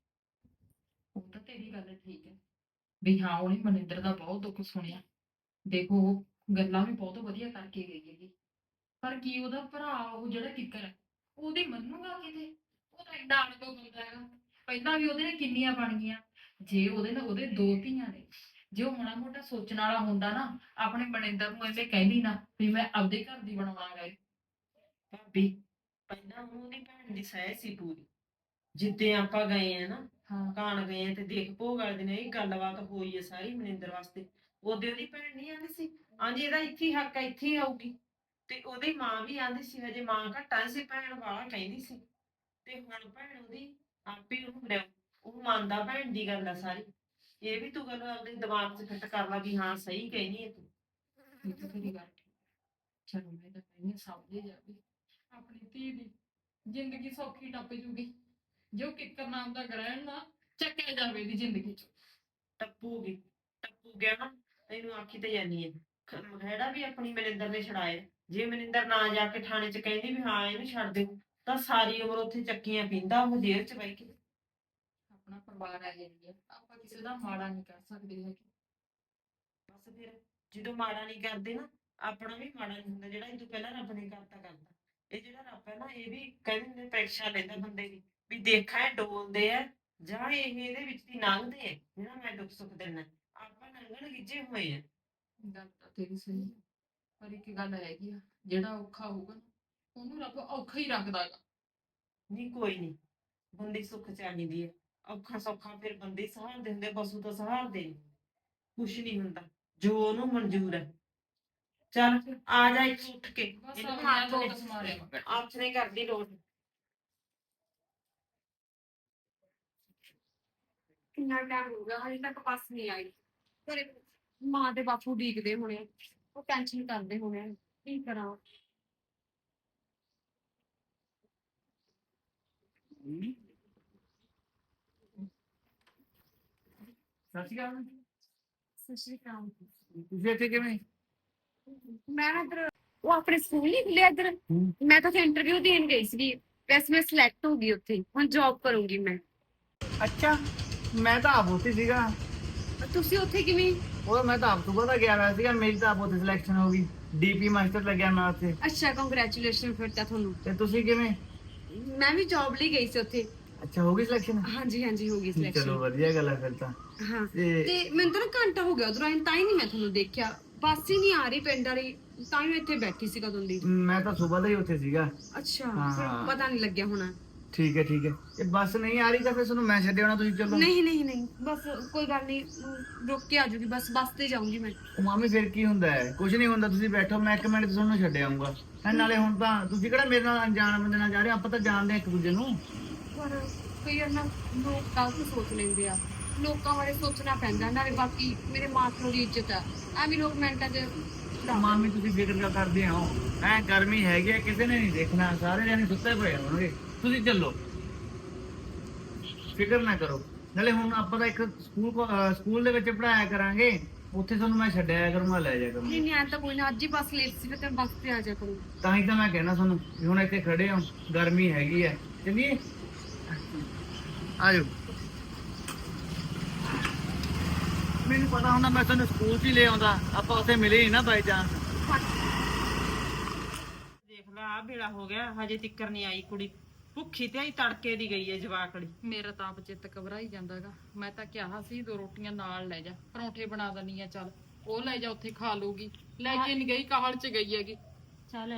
ਉਹ ਤਾਂ ਤੇਰੀ ਗੱਲ ਠੀਕ ਹੈ ਵੀ ਹਾਂ ਉਹਨੇ ਮਨਿੰਦਰ ਦਾ ਬਹੁਤ ਦੁੱਖ ਸੁਣਿਆ। ਦੇਖੋ ਉਹ ਗੱਲਾਂ ਵੀ ਬਹੁਤ ਵਧੀਆ ਕਰਕੇ ਗਈ ਹੈਗੀ, ਪਰ ਕੀ ਉਹਦਾ ਭਰਾ ਉਹ ਜਿਹੜਾ ਕਿੱਕਰ ਹੈ ਉਹਦੀ ਮੰਨੂਗਾ ਕਿਤੇ? ਉਹ ਤਾਂ ਐਡਾ ਅਣਗੋ ਬੰਦਾ ਹੈਗਾ। ਪਹਿਲਾਂ ਵੀ ਉਹਦੇ ਨਾਲ ਕਿੰਨੀਆਂ ਬਣ ਗਈਆਂ। ਜੇ ਉਹਦੇ ਨਾਲ ਉਹਦੇ ਦੋ ਧੀਆਂ ਨੇ, ਜੇ ਉਹ ਮਾੜਾ ਮੋਟਾ ਸੋਚਣ ਵਾਲਾ ਹੁੰਦਾ ਨਾ, ਆਪਣੇ ਮਨਿੰਦਰ ਨੂੰ ਐਵੇਂ ਕਹਿੰਦੀ ਨਾ ਵੀ ਮੈਂ ਆਪਦੇ ਘਰ ਦੀ ਬਣਾਉਣਾ ਗਾ।
ਭਾਬੀ, ਪਹਿਲਾਂ ਉਹਦੀ ਭੈਣ ਦੀ ਸਹਿ ਸੀ ਪੂਰੀ। ਜਿੱਦੇ ਆਪਾਂ ਗਏ ਆ ਨਾ,
ਹਾਂ
ਕਾਣ ਗਏ ਆ ਤੇ ਦੇਖ ਭੋਗ ਵਾਲੇ ਦਿਨ ਇਹ ਗੱਲਬਾਤ ਹੋਈ ਹੈ ਸਾਰੀ ਮਨਿੰਦਰ ਵਾਸਤੇ। ਉਹਦੇ ਉਹਦੀ ਭੈਣ ਨਹੀਂ ਆਂਦੀ ਸੀ, ਹਾਂਜੀ ਇਹਦਾ ਇੱਥੇ ਹੀ ਹੱਕ ਆ, ਇੱਥੇ ਹੀ ਆਊਗੀ। ਤੇ ਉਹਦੀ ਮਾਂ ਵੀ ਆਂਦੀ ਸੀ, ਹਜੇ ਮਾਂ ਘੱਟਾ ਸੀ, ਭੈਣ ਵਾਲਾ ਕਹਿੰਦੀ ਸੀ। ਤੇ ਹੁਣ ਭੈਣ ਉਹਦੀ ਆਪੇ ਉਹਨੂੰ ਲਿਆਓ, ਉਹ ਮੰਨਦਾ ਭੈਣ ਦੀ ਗੱਲ ਆ ਸਾਰੀ। ਇਹ ਵੀ ਤੂੰ ਗੱਲ ਆਪਣੇ ਦਿਮਾਗ 'ਚ ਫਿੱਟ ਕਰ ਲਾ ਵੀ ਹਾਂ ਸਹੀ ਕਹਿਨੀ ਹੈ ਤੂੰ।
ਇਹ ਤਾਂ ਤੇਰੀ ਗੱਲ ਠੀਕ। ਚਲੋ ਮੈਂ ਤਾਂ ਕਹਿੰਦੀ ਹਾਂ ਸਮਝੇ ਜਾਵੇ, ਆਪਣੀ ਧੀ ਦੀ ਜ਼ਿੰਦਗੀ ਸੌਖੀ ਟੱਪ ਜੂਗੀ ਜੋ ਕਿੱਕਰ ਨਾਮ ਦਾ ਗ੍ਰਹਿਣ ਨਾ ਚੱਕਿਆ ਜਾਵੇ ਦੀ ਜ਼ਿੰਦਗੀ ਚ।
ਟੱਪੂਗੀ, ਟੱਪੂ ਗਿਆ ਨਾ, ਇਹਨੂੰ ਆਖੀ ਤੇ ਜਾਨੀ ਹੈ। ਖਹਿੜਾ ਵੀ ਆਪਣੀ ਮਨਿੰਦਰ ਨੇ ਛਡਾਇਆ। ਜੇ ਮਨਿੰਦਰ ਨਾ ਜਾ ਕੇ ਥਾਣੇ 'ਚ ਕਹਿੰਦੀ ਵੀ ਹਾਂ ਇਹਨੂੰ ਛੱਡ ਦਿਓ, ਤਾਂ ਸਾਰੀ ਉਮਰ ਉੱਥੇ ਚੱਕੀਆਂ ਪੀਂਦਾ ਉਹ ਜੇਲ੍ਹ 'ਚ ਬਹਿ ਕੇ।
ਆਪਣਾ ਪਰਿਵਾਰ ਆ ਜਾਂਦੀ ਹੈ, ਆਪਾਂ ਕਿਸੇ ਦਾ ਮਾੜਾ ਨਹੀਂ ਕਰ ਸਕਦੇ ਹੈਗੇ।
ਬਸ ਫਿਰ ਜਦੋਂ ਮਾੜਾ ਨਹੀਂ ਕਰਦੇ ਨਾ, ਆਪਣਾ ਵੀ ਮਾੜਾ ਨਹੀਂ ਹੁੰਦਾ। ਜਿਹੜਾ ਇਹ ਤੋਂ ਪਹਿਲਾਂ ਰੱਬ ਨੇ ਕਰਤਾ ਕਰਤਾ। ਇਹ ਜਿਹੜਾ ਰੱਬ ਹੈ ਨਾ, ਇਹ ਵੀ ਕਹਿੰਦੇ ਹੁੰਦੇ ਪਰੀਖਿਆ ਲੈਂਦਾ ਬੰਦੇ ਦੀ, ਵੀ ਦੇਖਾਂ ਇਹ ਡੋਲਦੇ ਆ ਜਾਂ ਇਹ ਇਹਦੇ ਵਿੱਚ ਦੀ ਲੰਘਦੇ ਆ ਜਿਹੜਾ ਮੈਂ ਦੁੱਖ ਸੁੱਖ ਦਿੰਦਾ। ਆਪਾਂ ਲੰਘਣ ਗਿੱਜੇ ਹੋਏ ਆ।
ਗੱਲ ਤਾਂ ਤੇਰੀ ਸਹੀ ਹੈ, ਪਰ ਇੱਕ ਗੱਲ ਹੈਗੀ ਆ, ਜਿਹੜਾ ਔਖਾ ਹੋਊਗਾ ਨਾ ਉਹਨੂੰ ਰੱਬ ਔਖਾ ਹੀ ਰੱਖਦਾ ਗਾ।
ਨਹੀਂ ਕੋਈ ਨਹੀਂ, ਬੰਦੇ ਸੁੱਖ ਚਾਹੀਦੀ ਹੈ। ਔਖਾ ਸੌਖਾ ਫਿਰ ਬੰਦੇ ਹੀ ਸਹਾਰਦੇ ਹੁੰਦੇ, ਪਸ਼ੂ ਤਾਂ ਸਹਾਰਦੇ ਨਹੀਂ। ਕੁਛ ਨਹੀਂ ਹੁੰਦਾ ਜੋ ਉਹਨੂੰ ਮਨਜ਼ੂਰ ਹੈ। ਚੱਲ ਆ ਜਾ ਇੱਥੇ ਉੱਠ ਕੇ,
ਬਸ
ਇਹਨੂੰ
ਆਪਣਾ
ਹੱਥ
ਲੋਟ ਸਮਾਰਿਆ ਮੈਂ ਬੈਠੀ।
ਨੇ ਕਰਦੀ ਲੋੜ।
ਕਿੰਨਾ ਟਾਈਮ ਹੋ ਗਿਆ ਹਜੇ ਤੱਕ ਬੱਸ ਨਹੀਂ ਆਈ। ਘਰੇ ਮਾਂ ਤੇ ਬਾਪੂ ਉਡੀਕਦੇ ਹੋਣੇ, ਉਹ ਟੈਨਸ਼ਨ ਕਰਦੇ ਹੋਣੇ ਕੀ ਕਰਾਂ।
ਸਤਿ ਸ਼੍ਰੀ ਅਕਾਲ।
ਸਤਿ ਸ਼੍ਰੀ ਅਕਾਲ।
ਤੁਸੀਂ ਇੱਥੇ ਕਿਵੇਂ?
ਮੈਂ ਨਾ ਇੱਧਰ ਉਹ ਆਪਣੇ ਸਕੂਲ ਨਹੀਂ ਖੁੱਲਿਆ ਇੱਧਰ, ਮੈਂ ਤਾਂ ਉੱਥੇ ਇੰਟਰਵਿਊ ਦੇਣ ਗਈ ਸੀਗੀ। ਵੈਸੇ ਮੈਂ ਸਿਲੈਕਟ ਹੋ ਗਈ ਉੱਥੇ, ਹੁਣ ਜੌਬ ਕਰੂੰਗੀ ਮੈਂ।
ਅੱਛਾ, ਮੈਂ ਤਾਂ ਆਪ ਉੱਥੇ ਸੀਗਾ।
ਤੁਸੀਂ ਉੱਥੇ ਕਿਵੇਂ?
ਉਹ ਮੈਂ ਤਾਂ ਆਪ ਸੁਬਹ ਦਾ ਗਿਆ ਹੋਇਆ ਸੀਗਾ, ਮੇਰੀ ਤਾਂ ਆਪ ਉੱਥੇ ਸਿਲੈਕਸ਼ਨ ਹੋ ਗਈ। ਡੀਪੀ ਮਾਸਟਰ ਲੱਗਿਆ ਮੈਂ ਉੱਥੇ।
ਅੱਛਾ, ਕੰਗ੍ਰੈਚੁਲੇਸ਼ਨ ਫਿਰ ਤਾਂ ਤੁਹਾਨੂੰ।
ਤੇ ਤੁਸੀਂ ਕਿਵੇਂ?
ਮੈਂ ਵੀ ਜੌਬ ਲਈ ਗਈ ਸੀ ਉੱਥੇ।
ਅੱਛਾ, ਹੋ ਗਈ ਸਿਲੈਕਸ਼ਨ?
ਹਾਂਜੀ ਹਾਂਜੀ, ਹੋ ਗਈ
ਚਲੋ
ਸਿਲੈਕਸ਼ਨ।
ਵਧੀਆ ਗੱਲ ਹੈ ਫਿਰ ਤਾਂ।
ਹਾਂ,
ਤੇ
ਤੇ ਮੈਨੂੰ ਤਾਂ ਨਾ ਘੰਟਾ ਹੋ ਗਿਆ ਉਧਰੋਂ ਆਏ, ਤਾਂ ਹੀ ਨਹੀਂ ਮੈਂ ਤੁਹਾਨੂੰ ਦੇਖਿਆ। ਬੱਸ ਹੀ ਨਹੀਂ ਆ ਰਹੀ ਪਿੰਡ ਵਾਲੀ, ਤਾਂ ਹੀ ਮੈਂ ਇੱਥੇ ਬੈਠੀ ਸੀ ਕਦੋਂ ਦੀ।
ਮੈਂ ਤਾਂ ਸੁਬਹ ਦਾ ਹੀ ਉੱਥੇ ਸੀਗਾ।
ਅੱਛਾ,
ਹਾਂ।
ਫਿਰ ਪਤਾ ਨਹੀਂ ਲੱਗਿਆ ਹੋਣਾ।
ਠੀਕ ਹੈ ਠੀਕ ਹੈ। ਇਹ ਬੱਸ ਨਹੀਂ ਆ ਰਹੀ ਤਾਂ ਫਿਰ ਤੁਹਾਨੂੰ ਮੈਂ ਛੱਡ ਆਉਣਾ, ਤੁਸੀਂ ਚੱਲੋ।
ਨਹੀਂ ਨਹੀਂ ਨਹੀਂ, ਬਸ ਕੋਈ ਗੱਲ ਨਹੀਂ, ਰੁਕ ਕੇ ਆ ਜੂਗੀ, ਬਸ ਬੱਸ ਤੇ ਜਾਊਂਗੀ ਮੈਂ।
ਉਹ ਮਾਮੀ ਫਿਰ ਕੀ ਹੁੰਦਾ ਹੈ? ਕੁਝ ਨਹੀਂ ਹੁੰਦਾ, ਤੁਸੀਂ ਬੈਠੋ, ਮੈਂ 1 ਮਿੰਟ ਚ ਤੁਹਾਨੂੰ ਛੱਡ ਆਊਂਗਾ। ਨਾਲੇ ਹੁਣ ਤਾਂ ਤੁਸੀਂ ਕਿਹੜਾ ਮੇਰੇ ਨਾਲ ਅਣਜਾਣ ਬੰਦੇ ਨਾਲ ਜਾ ਰਹੇ ਹੋ, ਆਪਾਂ ਤਾਂ ਜਾਣਦੇ ਹਾਂ ਇੱਕ ਦੂਜੇ ਨੂੰ।
ਪਰ ਕਈ ਵਾਰ ਨਾ ਲੋਕ ਗਲਤ ਸੋਚ ਲੈਂਦੇ ਆ, ਲੋਕਾਂ ਬਾਰੇ ਸੋਚਣਾ ਪੈਂਦਾ। ਨਾਲੇ ਬਾਕੀ ਮੇਰੇ ਮਾਂ ਪਿਓ ਦੀ ਇੱਜ਼ਤ ਆ, ਐਵੇਂ ਲੋਕ ਮਿੰਟਾਂ 'ਚ
ਮਾਮੀ ਤੁਸੀਂ ਫਿਕਰ ਕਿਉਂ ਕਰਦੇ ਹੋ? ਐ ਗਰਮੀ ਹੈਗੀ ਹੈ, ਕਿਸੇ ਨੇ ਨਹੀਂ ਦੇਖਣਾ, ਸਾਰੇ ਜਾਣੇ ਸੁੱਤੇ ਪਏ ਹੋਣਗੇ। ਤੁਸੀਂ ਚੱਲੋ, ਫਿਕਰ ਨਾ ਕਰੋ। ਨਾਲੇ ਹੁਣ ਆਪਾਂ ਤਾਂ ਇੱਕ ਸਕੂਲ ਦੇ ਵਿੱਚ ਪੜਾਇਆ ਕਰਾਂਗੇ, ਉੱਥੇ ਤੁਹਾਨੂੰ ਮੈਂ ਛੱਡਿਆ ਕਰੂੰਗਾ, ਲੈ ਜਾਇਆ ਕਰੂੰਗਾ।
ਨਹੀਂ ਨਹੀਂ, ਐਂ ਤਾਂ ਕੋਈ ਨਾ, ਅੱਜ ਹੀ ਬੱਸ ਲੇਟ ਸੀ, ਫਿਰ ਤੈਨੂੰ ਬੱਸ ਤੇ ਆ ਜਾ ਕਰੂੰ।
ਤਾਂ ਹੀ ਤਾਂ ਮੈਂ ਕਹਿਣਾ ਤੁਹਾਨੂੰ ਵੀ ਹੁਣ ਇੱਥੇ ਖੜੇ ਹੋ, ਗਰਮੀ ਹੈਗੀ ਹੈ। ਚੱਲੀਏ, ਆਜੋ। ਮੈਨੂੰ ਪਤਾ ਹੁੰਦਾ ਮੈਂ ਤੁਹਾਨੂੰ ਸਕੂਲ 'ਚ ਹੀ ਲੈ ਆਉਂਦਾ, ਆਪਾਂ ਉੱਥੇ ਮਿਲੇ ਹੀ ਨਾ ਬਾਈ ਚਾਂਸ।
ਦੇਖ ਲੈ, ਆ ਵੇਲਾ ਹੋ ਗਿਆ, ਹਜੇ ਤਿੱਕਰ ਨਹੀਂ ਆਈ ਕੁੜੀ। ਭੁੱਖੀ ਤੇ ਆਈ ਤੜਕੇ ਦੀ ਗਈ ਹੈ ਜਵਾਕੜੀ।
ਮੇਰਾ ਤਾਂ ਆਪ ਚਿੱਤ ਘਬਰਾਈ ਜਾਂਦਾਗਾ। ਮੈਂ ਤਾਂ ਕਿਹਾ ਸੀ 2 ਰੋਟੀਆਂ ਨਾਲ ਲੈ ਜਾ, ਪਰੌਂਠੇ ਬਣਾ ਦਨੀ ਆ, ਚੱਲ ਉਹ ਲੈ ਜਾ, ਉੱਥੇ ਖਾ ਲੂਗੀ। ਲੈ ਕੇ ਨਹੀਂ ਗਈ, ਕਾਹਲ ਚ ਗਈ ਹੈਗੀ।
ਚੱਲ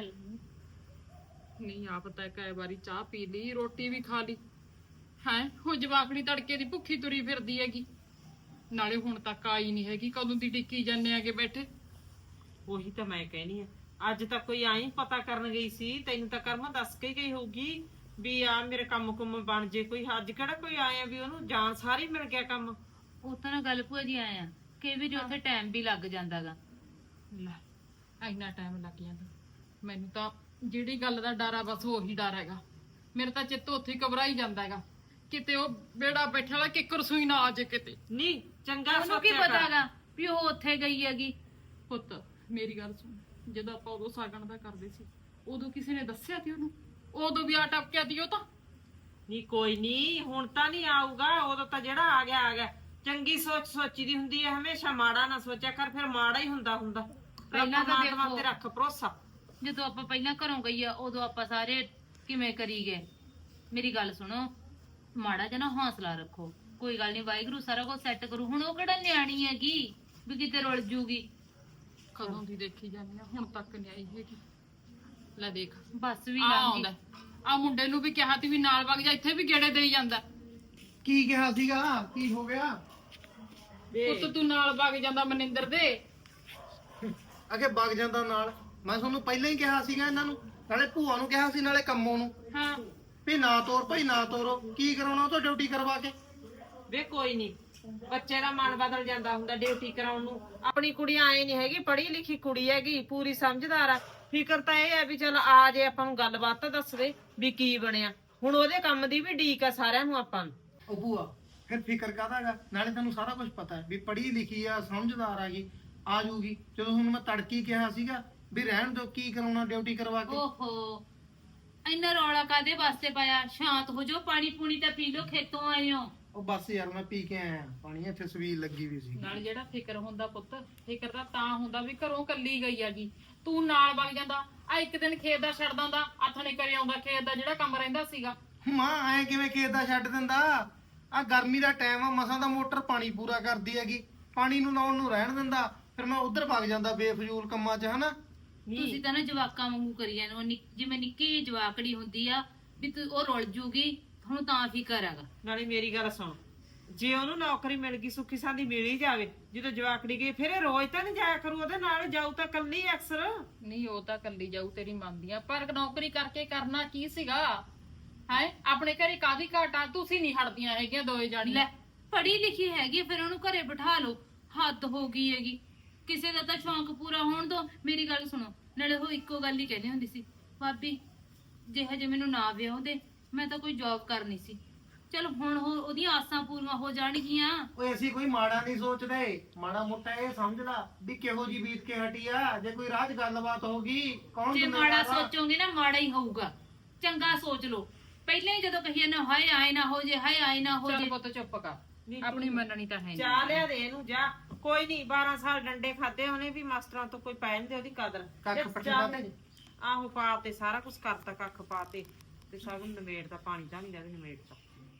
ਨਹੀਂ, ਆਪ ਤਾਂ ਕਈ ਵਾਰੀ ਚਾਹ ਪੀ ਲਈ, ਰੋਟੀ ਵੀ ਖਾ ਲਈ ਹੈ। ਹੁਣ ਜਵਾਕੜੀ ਤੜਕੇ ਦੀ ਭੁੱਖੀ ਤੁਰੀ ਫਿਰਦੀ ਹੈਗੀ, ਨਾਲੇ ਹੁਣ ਤੱਕ ਆਈ ਨਹੀਂ ਹੈਗੀ। ਕਦੋਂ ਦੀ ਟਿੱਕੀ ਜਾਂਦੇ ਆਗੇ ਬੈਠੇ।
ਉਹੀ ਤਾਂ ਮੈਂ ਕਹਿਣੀ ਆ, ਅੱਜ ਤਾਂ ਕੋਈ ਆਈ ਪਤਾ ਕਰਨ ਗਈ ਸੀ, ਤੈਨੂੰ ਤਾਂ ਕਰਮਾ ਦੱਸ ਕੇ ਗਈ ਹੋਊਗੀ ਵੀ ਆ ਮੇਰੇ ਕੰਮ ਕੁੰਮ ਬਣ ਜੇ ਕੋਈ। ਅੱਜ ਕਿਹੜਾ ਕੋਈ ਆਇਆ ਵੀ ਉਹਨੂੰ ਜਾਣ ਸਾਰੀ ਮਿਲ ਗਿਆ ਕੰਮ।
ਉਹ ਤਾਂ ਨਾ ਗੱਲ ਭੂਆ ਜੀ ਆਇਆ ਕਿ ਵੀ ਉੱਥੇ ਟਾਈਮ ਵੀ ਲੱਗ ਜਾਂਦਾਗਾ।
ਲੈ, ਇੰਨਾ ਟਾਈਮ ਲੱਗ ਜਾਂਦਾ? ਮੈਨੂੰ ਤਾਂ ਜਿਹੜੀ ਗੱਲ ਦਾ ਡਰ ਆ ਬਸ ਉਹੀ ਡਰ ਹੈਗਾ। ਮੇਰੇ ਤਾਂ ਚਿੱਤ ਉੱਥੇ ਹੀ ਘਬਰਾਈ ਜਾਂਦਾ ਹੈਗਾ, ਕਿਤੇ ਉਹ ਬੇੜਾ ਬੈਠਾ ਵਾਲਾ ਕਿੱਕਰ ਸੂਈ ਨਾ ਆ ਜੇ ਕਿਤੇ।
ਨਹੀਂ ਚੰਗਾ
ਉਹਨੂੰ ਕੀ
ਸੋਚਿਆ ਕਰ।
ਪਤਾਗਾ ਵੀ ਉਹ ਉੱਥੇ ਗਈ ਹੈਗੀ।
ਪੁੱਤ ਮੇਰੀ ਗੱਲ ਸੁਣ, ਜਦੋਂ ਆਪਾਂ ਉਦੋਂ ਸਾਗਣ ਦਾ ਕਰਦੇ ਸੀ, ਉਦੋਂ ਕਿਸੇ ਨੇ ਦੱਸਿਆ ਸੀ ਉਹਨੂੰ? ਉਦੋਂ ਵੀ ਆ ਟਪਕਿਆ ਦੀ ਉਹ ਤਾਂ।
ਨਹੀਂ ਕੋਈ ਨਹੀਂ, ਹੁਣ ਤਾਂ ਨਹੀਂ ਆਊਗਾ, ਉਦੋਂ ਤਾਂ ਜਿਹੜਾ ਆ ਗਿਆ ਆ ਗਿਆ। ਚੰਗੀ ਸੋਚ ਸੋਚੀ ਦੀ ਹੁੰਦੀ ਹੈ ਹਮੇਸ਼ਾ, ਮਾੜਾ ਨਾ ਸੋਚਿਆ ਕਰ, ਫਿਰ ਮਾੜਾ ਹੀ ਹੁੰਦਾ।
ਪਹਿਲਾਂ ਤਾਂ
ਪਰਮਾਤਮਾ
ਦੇਖੋ,
ਤੇ ਰੱਖ ਭਰੋਸਾ।
ਜਦੋਂ ਆਪਾਂ ਪਹਿਲਾਂ ਘਰੋਂ ਗਈ ਆ ਉਦੋਂ ਆਪਾਂ ਸਾਰੇ ਕਿਵੇਂ ਕਰੀ ਗਏ। ਮੇਰੀ ਗੱਲ ਸੁਣੋ, ਮਾੜਾ ਜਿਹਾ ਨਾ ਹੌਸਲਾ ਰੱਖੋ, ਕੋਈ ਗੱਲ ਨਹੀਂ, ਵਾਹਿਗੁਰੂ ਸਾਰਾ ਕੁਝ ਸੈੱਟ ਕਰੂ। ਹੁਣ ਉਹ ਕਿਹੜਾ ਨਿਆਣੀ ਹੈਗੀ ਵੀ ਕਿਤੇ ਰੁਲ ਜੂਗੀ।
ਕਦੋਂ ਦੀ ਦੇਖੀ ਜਾਂਦੀ ਆ, ਹੁਣ ਤੱਕ ਨਹੀਂ ਆਈ ਹੈਗੀ। ਲੈ ਦੇਖ,
ਬੱਸ ਵੀ
ਆ
ਲੰਘ
ਆਉਂਦਾ।
ਗਈ।
ਆ ਮੁੰਡੇ ਨੂੰ ਵੀ ਕਿਹਾ ਤੀ ਵੀ ਨਾਲ ਵਗ ਜਾ, ਇੱਥੇ ਵੀ ਗੇੜੇ ਦੇਈ ਜਾਂਦਾ।
ਕੀ ਕਿਹਾ ਸੀਗਾ? ਕੀ ਹੋ ਗਿਆ?
ਪੁੱਤ ਤੂੰ ਨਾਲ ਵਗ ਜਾਂਦਾ ਮਨਿੰਦਰ ਦੇ।
ਅਗੇ ਵਗ ਜਾਂਦਾ ਨਾਲ। ਮੈਂ ਤੁਹਾਨੂੰ ਪਹਿਲਾਂ ਹੀ ਕਿਹਾ ਸੀਗਾ ਇਹਨਾਂ ਨੂੰ, ਨਾਲੇ ਭੂਆ ਨੂੰ ਕਿਹਾ ਸੀ, ਨਾਲੇ ਕੰਮੋਂ ਨੂੰ,
ਹਾਂ,
ਵੀ ਨਾ ਤੋਰ ਭਾਈ ਨਾ ਤੋਰੋ। ਕੀ ਕਰਾਉਣਾ ਉਹ ਤੋਂ ਡਿਊਟੀ ਕਰਵਾ ਕੇ?
ਵੇ ਕੋਈ ਨਹੀਂ, ਬੱਚੇ ਦਾ ਮਨ ਬਦਲ ਜਾਂਦਾ ਹੁੰਦਾ ਡਿਊਟੀ ਕਰਾਉਣ ਨੂੰ। ਆਪਣੀ ਕੁੜੀ ਆਏ ਨਹੀਂ ਹੈਗੀ, ਪੜ੍ਹੀ ਲਿਖੀ ਕੁੜੀ ਹੈਗੀ, ਪੂਰੀ ਸਮਝਦਾਰ ਆ। ਫਿਕਰ ਤਾਂ ਇਹ ਹੈ ਵੀ ਚਲ ਆ ਜੇ, ਆਪਾਂ ਨੂੰ ਗੱਲਬਾਤ ਤਾਂ ਦੱਸ ਦੇ ਵੀ ਕੀ ਬਣਿਆ। ਹੁਣ ਉਹਦੇ ਕੰਮ ਦੀ ਵੀ ਢੀਕ ਆ ਸਾਰਿਆਂ ਨੂੰ ਆਪਾਂ ਨੂੰ।
ਉਹ ਭੂਆ ਫਿਰ ਫਿਕਰ ਕਾਹਦਾਗਾ? ਨਾਲੇ ਤੈਨੂੰ ਸਾਰਾ ਕੁਝ ਪਤਾ ਹੈ ਵੀ ਪੜ੍ਹੀ ਲਿਖੀ ਆ, ਸਮਝਦਾਰ ਆਗੀ, ਆ ਜੂਗੀ। ਜਦੋਂ ਹੁਣ ਮੈਂ ਤੜਕੀ ਕਿਹਾ ਸੀਗਾ ਵੀ ਰਹਿਣ ਦੋ, ਕੀ ਕਰਾਉਣਾ ਡਿਊਟੀ ਕਰਵਾ ਕੇ।
ਓਹੋ, ਇੰਨਾ ਰੌਲਾ ਕਾਦੇ ਵਾਸਤੇ ਪਾਇਆ? ਸ਼ਾਂਤ ਹੋ ਜਾਓ, ਪਾਣੀ ਪੂਣੀ ਤਾਂ ਪੀ ਲਓ, ਖੇਤੋਂ ਆਏ ਹੋ।
ਉਹ ਬਸ ਯਾਰ ਮੈਂ ਪੀ ਕੇ ਆਇਆ ਪਾਣੀ, ਇੱਥੇ ਸਵੀਲ ਲੱਗੀ ਵੀ ਸੀ।
ਨਾਲ ਜਿਹੜਾ ਫਿਕਰ ਹੁੰਦਾ ਪੁੱਤ, ਫਿਕਰ ਤਾਂ ਹੁੰਦਾ ਵੀ ਘਰੋਂ ਕੱਲੀ ਗਈ ਹੈਗੀ, ਤੂੰ ਨਾਲ ਵਗ ਜਾਂਦਾ। ਆ ਇੱਕ ਦਿਨ ਖੇਤ ਦਾ ਛੱਡ ਦਿੰਦਾ, ਆਥਣੇ ਕਰੇ ਆਉਂਦਾ ਖੇਤ ਦਾ ਜਿਹੜਾ ਕੰਮ ਰਹਿੰਦਾ ਸੀਗਾ।
ਮਾਂ ਐ ਕਿਵੇਂ ਖੇਤ ਦਾ ਛੱਡ ਦਿੰਦਾ? ਆ ਗਰਮੀ ਦਾ ਟਾਈਮ ਆ, ਮਸਾਂ ਦਾ ਮੋਟਰ ਪਾਣੀ ਪੂਰਾ ਕਰਦੀ ਹੈਗੀ, ਪਾਣੀ ਨੂੰ ਲਾਉਣ ਨੂੰ ਰਹਿਣ ਦਿੰਦਾ। ਫਿਰ ਮੈਂ ਉਧਰ ਵਗ ਜਾਂਦਾ ਬੇਫਜ਼ੂਲ ਕੰਮਾਂ 'ਚ, ਹਨਾ।
ਤੁਸੀਂ ਤਾਂ ਨਾ ਜਵਾਕਾਂ ਵਾਂਗੂ ਕਰੀ ਜਾਂਦੇ ਹੋ, ਜਿਵੇਂ ਨਿੱਕੀ ਜਿਹੀ ਜਵਾਕੜੀ ਹੁੰਦੀ ਆ ਵੀ ਤੂੰ ਉਹ ਰੁਲ ਜੂਗੀ, ਹੁਣ ਤਾਂ ਫਿਕਰ ਹੈਗਾ।
ਨਾਲੇ ਮੇਰੀ ਗੱਲ ਸੁਣ, ਜੇ ਉਹਨੂੰ ਨੌਕਰੀ ਮਿਲ ਗਈ, ਸੁੱਖੀ ਸਾਂਦੀ ਮਿਲ ਹੀ ਜਾਵੇ, ਜਦੋਂ ਜਵਾਕੜੀ ਗਈ ਫਿਰ ਇਹ ਰੋਜ਼ ਤਾਂ ਨਹੀਂ ਜਾਇਆ ਕਰੂ ਉਹਦੇ ਨਾਲ, ਜਾਊ ਤਾਂ ਕੱਲੀ ਅਕਸਰ।
ਨਹੀਂ ਉਹ ਤਾਂ ਕੱਲੀ ਜਾਊ, ਤੇਰੀ ਮੰਨਦੀ ਆ, ਪਰ ਨੌਕਰੀ ਕਰਕੇ ਕਰਨਾ ਕੀ ਸੀਗਾ ਹੈ? ਆਪਣੇ ਘਰੇ ਕਾਦੀ ਘਾਟਾ? ਤੁਸੀਂ ਨਹੀਂ ਹਟਦੀਆਂ ਹੈਗੀਆਂ ਦੋਏ ਜਾਣੀਆਂ।
ਲੈ, ਪੜ੍ਹੀ ਲਿਖੀ ਹੈਗੀ, ਫਿਰ ਉਹਨੂੰ ਘਰੇ ਬਿਠਾ ਲਓ। ਹੱਦ ਹੋ ਗਈ ਹੈਗੀ, ਕਿਸੇ ਦਾ ਤਾਂ ਸ਼ੌਂਕ ਪੂਰਾ ਹੋਣ ਦੋ। ਮੇਰੀ ਗੱਲ ਸੁਣੋ, ਨਾਲੇ ਉਹ ਇੱਕੋ ਗੱਲ ਹੀ ਕਹਿੰਦੀ ਹੁੰਦੀ ਸੀ, ਭਾਬੀ ਜੇ ਹਜੇ ਮੈਨੂੰ ਨਾ ਵਿਆਹੁੰਦੇ ਮੈਂ ਤਾਂ ਕੋਈ ਜੌਬ ਕਰਨੀ ਸੀ। ਚਲ ਹੁਣ ਉਹਦੀਆਂ ਆਸਾਂ ਪੂਰੀਆਂ ਹੋ ਜਾਣਗੀਆਂ।
ਓਏ ਅਸੀਂ ਕੋਈ ਮਾੜਾ ਨਹੀਂ ਸੋਚਦੇ, ਮਾੜਾ ਮੋਟਾ ਇਹ ਸਮਝ ਲਾ ਵੀ ਕਿਹੋ ਜੀ ਬੀਤ ਕੇ ਹਟੀ ਆ। ਜੇ ਕੋਈ ਰਾਜ ਗੱਲਬਾਤ ਹੋਗੀ ਕੌਣ
ਜੇ
ਜ਼ਿੰਮੇਵਾਰ
ਮਾੜਾ
ਆ?
ਸੋਚੋਗੇ ਨਾ ਮਾੜਾ ਹੀ ਹੋਊਗਾ। ਚੰਗਾ ਸੋਚ ਲਓ। ਪਹਿਲਾਂ ਹੀ ਜਦੋਂ ਕਹੀਏ ਨਾ ਹਾਏ ਆਏ ਨਾ ਹੋ ਜੇ, ਹਾਏ ਆਏ ਨਾ ਹੋ
ਚੱਲ
ਜੇ।
ਪੁੱਤ ਚੁੱਪ ਕਰ,
ਨੀ
ਆਪਣੀ
ਤੂੰ
ਮੰਨਣੀ ਤਾਂ ਹੈ ਨਹੀਂ।
ਚਾਹ ਲਿਆ ਦੇ ਇਹਨੂੰ ਜਾ। ਕੋਈ ਨਹੀਂ 12 ਸਾਲ ਡੰਡੇ ਖਾਦੇ ਉਹਨੇ ਵੀ, ਮਾਸਟਰਾਂ ਤੋਂ ਕੋਈ ਪੈ ਦੇ ਉਹਦੀ ਕਦਰ।
ਕੱਖ
ਤੇ
ਪੱਟੇ
ਚਾਹ
ਪਾਤੇ?
ਆਹੋ ਪਾ ਤੇ ਸਾਰਾ ਕੁਝ ਕਰਤਾ, ਕੱਖ ਪਾਤੇ ਤੇ ਸਭ ਨੂੰ ਨਿਮੇੜਦਾ, ਪਾਣੀ ਤਾਂ ਨਹੀਂ ਦੇ ਨਿਮੇੜਦਾ।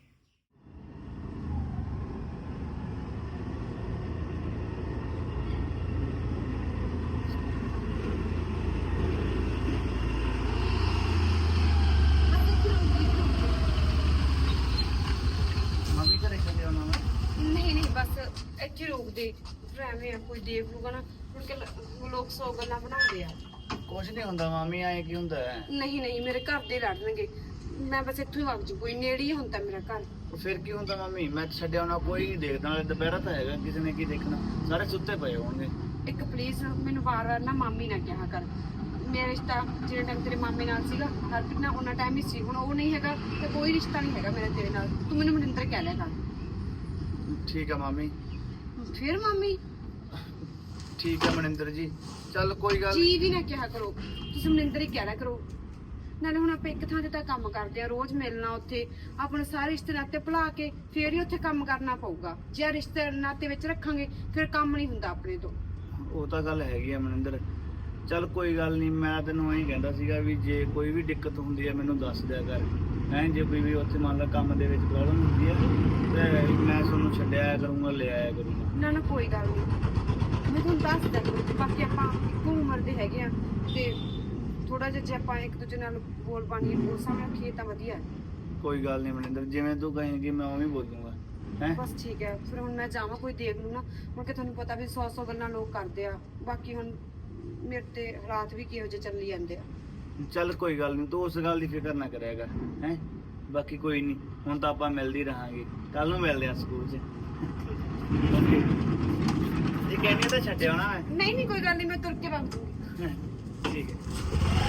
ਮੰਮੀ ਘਰੇ ਛੱਡੇ ਆਉਣਾ ਮੈਂ।
ਨਹੀਂ ਨਹੀਂ ਬਸ ਇੱਥੇ ਰੋਕ ਦੇ। ਫਿਰ ਐਵੇਂ ਆ ਕੋਈ ਦੇਖ ਲੂਗਾ ਨਾ, ਮੁੜ ਕੇ ਲੋਕ ਸੌ ਗੱਲਾਂ ਬਣਾਉਂਦੇ ਆ।
ਕੁਛ ਨਹੀਂ ਹੁੰਦਾ ਮਾਮੀ, ਐ ਕੀ ਹੁੰਦਾ ਹੈ?
ਨਹੀਂ ਨਹੀਂ ਮੇਰੇ ਘਰ ਦੇ ਲੜਨਗੇ, ਮੈਂ ਬਸ ਇੱਥੋਂ ਹੀ ਵਗ ਜੂ, ਕੋਈ ਨੇੜੇ ਹੀ ਹੁੰਦਾ ਮੇਰਾ ਘਰ।
ਫਿਰ ਕੀ ਹੁੰਦਾ ਮੰਮੀ, ਮੈਂ ਛੱਡਿਆ ਆਉਣਾ, ਕੋਈ ਨਹੀਂ ਦੇਖਦਾ। ਨਾਲੇ ਦੁਪਹਿਰਾ ਤਾਂ ਹੈਗਾ, ਕਿਸੇ ਨੇ ਕੀ ਦੇਖਣਾ, ਸਾਰੇ ਸੁੱਤੇ ਪਏ ਹੋਣਗੇ।
ਇੱਕ ਪਲੀਜ਼ ਮੈਨੂੰ ਵਾਰ-ਵਾਰ ਨਾ ਮਾਮੀ ਨਾ ਕਿਹਾ ਕਰ। ਮੇਰਾ ਰਿਸ਼ਤਾ ਜਿਹੜਾ ਟਾਈਮ ਤੇਰੇ ਮਾਮੇ ਨਾਲ ਸੀਗਾ, ਹਰਪ੍ਰੀਤ ਨਾਲ ਉਹਨਾਂ ਟਾਈਮ ਹੀ ਸੀ, ਹੁਣ ਉਹ ਨਹੀਂ ਹੈਗਾ ਤੇ ਕੋਈ ਰਿਸ਼ਤਾ ਨਹੀਂ ਹੈਗਾ ਮੇਰਾ ਤੇਰੇ ਨਾਲ। ਤੂੰ ਮੈਨੂੰ ਮਨਿੰਦਰ ਕਹਿ ਲਿਆ ਕਰ।
ਠੀਕ ਆ ਮਾਮੀ,
ਫਿਰ ਮਾਮੀ
ਠੀਕ ਆ ਮਨਿੰਦਰ ਜੀ, ਚੱਲ ਕੋਈ ਗੱਲ
ਜੀ ਵੀ ਨਾ ਕਿਹਾ ਕਰੋ, ਤੁਸੀਂ ਮਨਿੰਦਰ ਹੀ ਕਹਿ ਲਿਆ ਕਰੋ। ਨਾਲੇ ਹੁਣ ਆਪਾਂ ਇੱਕ ਥਾਂ ਤੇ ਤਾਂ ਕੰਮ ਕਰਦੇ ਆ, ਰੋਜ਼ ਮਿਲਣਾ ਉੱਥੇ, ਆਪਣੇ ਸਾਰੇ ਰਿਸ਼ਤੇ ਨਾਤੇ ਭੁਲਾ ਕੇ ਫੇਰ ਹੀ ਉੱਥੇ ਕੰਮ ਕਰਨਾ ਪਊਗਾ। ਜੇ ਰਿਸ਼ਤੇ ਨਾਤੇ ਵਿੱਚ ਰੱਖਾਂਗੇ ਫਿਰ ਕੰਮ ਨਹੀਂ ਹੁੰਦਾ ਆਪਣੇ ਤੋਂ।
ਉਹ ਤਾਂ ਗੱਲ ਹੈਗੀ ਆ ਮਨਿੰਦਰ, ਚੱਲ ਕੋਈ ਗੱਲ ਨਹੀਂ। ਮੈਂ ਤੈਨੂੰ ਐਂ ਕਹਿੰਦਾ ਸੀਗਾ ਵੀ ਜੇ ਕੋਈ ਵੀ ਦਿੱਕਤ ਹੁੰਦੀ ਹੈ ਮੈਨੂੰ ਦੱਸ ਦਿਆ ਕਰ। ਜੇ ਕੋਈ ਵੀ ਉੱਥੇ ਮੰਨ ਲਾ ਕੰਮ ਦੇ ਵਿੱਚ ਪ੍ਰੋਬਲਮ ਹੁੰਦੀ ਹੈ ਤੇ ਮੈਂ ਤੁਹਾਨੂੰ ਛੱਡਿਆ ਕਰੂੰਗਾ, ਲੈ ਆਇਆ ਕਰੂੰਗਾ।
ਨਾ ਨਾ ਕੋਈ ਗੱਲ ਨਹੀਂ, ਮੈਂ ਤੁਹਾਨੂੰ ਦੱਸ ਦਿਆ ਕਰੂੰ। ਬਾਕੀ ਆਪਾਂ ਇੱਕੋ ਉਮਰ ਦੇ ਹੈਗੇ ਆ ਤੇ ਥੋੜਾ ਜਿਹਾ ਜੇ ਆਪਾਂ ਇੱਕ ਦੂਜੇ ਨਾਲ ਬੋਲ ਪਾਣੀ ਬੋਲ ਸਾਹਮਣੇ ਰੱਖੀਏ ਤਾਂ ਵਧੀਆ ਹੈ।
ਕੋਈ ਗੱਲ ਨਹੀਂ ਮਨਿੰਦਰ, ਜਿਵੇਂ ਤੂੰ ਕਹੇਂਗੀ ਮੈਂ ਉਵੇਂ ਹੀ ਬੋਲੂੰਗਾ। ਹੈ
ਬਸ ਠੀਕ ਹੈ, ਫਿਰ ਹੁਣ ਮੈਂ ਜਾਵਾਂ, ਕੋਈ ਦੇਖ ਲੂ ਨਾ। ਹੁਣ ਕਿ ਤੁਹਾਨੂੰ ਪਤਾ ਵੀ 100 ਗੱਲਾਂ ਲੋਕ ਕਰਦੇ ਆ। ਬਾਕੀ ਹੁਣ ਮੇਰੇ ਤੇ ਹਾਲਾਤ ਵੀ ਕਿਹੋ ਜਿਹੇ ਚੱਲੀ ਜਾਂਦੇ ਆ।
ਚੱਲ ਕੋਈ ਗੱਲ ਨਹੀਂ, ਤੂੰ ਉਸ ਗੱਲ ਦੀ ਫਿਕਰ ਨਾ ਕਰਿਆ ਕਰ। ਹੈ ਬਾਕੀ ਕੋਈ ਨਹੀਂ, ਹੁਣ ਤਾਂ ਆਪਾਂ ਮਿਲਦੇ ਹੀ ਰਹਾਂਗੇ, ਕੱਲ ਨੂੰ ਮਿਲਦੇ ਆ ਸਕੂਲ 'ਚ। ਓਕੇ, ਇਹ ਕਹਿੰਦੀ ਤਾਂ ਛੱਡਿਆ ਹੋਣਾ ਮੈਂ।
ਨਹੀਂ ਨਹੀਂ ਕੋਈ ਗੱਲ ਨਹੀਂ, ਮੈਂ ਤੁਰ ਕੇ ਵਗ ਜੂੰਗੀ।
ਠੀਕ ਹੈ।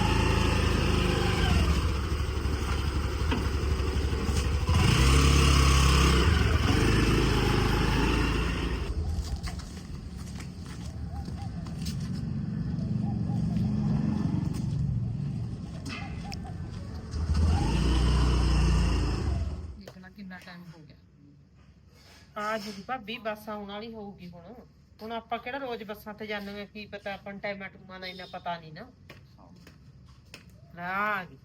ਦੇਖਣਾ ਕਿੰਨਾ ਟਾਈਮ ਹੋ ਗਿਆ।
ਆ ਜੂਗੀ ਭਾਬੀ, ਬੱਸ ਆਉਣ ਵਾਲੀ ਹੋਊਗੀ ਹੁਣ। ਹੁਣ ਆਪਾਂ ਕਿਹੜਾ ਰੋਜ਼ ਬੱਸਾਂ ਤੇ ਜਾਂਦੇ ਆ, ਕੀ ਪਤਾ ਆਪਾਂ ਨੂੰ ਟਾਈਮਾਂ ਟੂਮਾਂ ਦਾ ਇੰਨਾ ਪਤਾ ਨਹੀਂ ਨਾ। ਆ ਗਈ।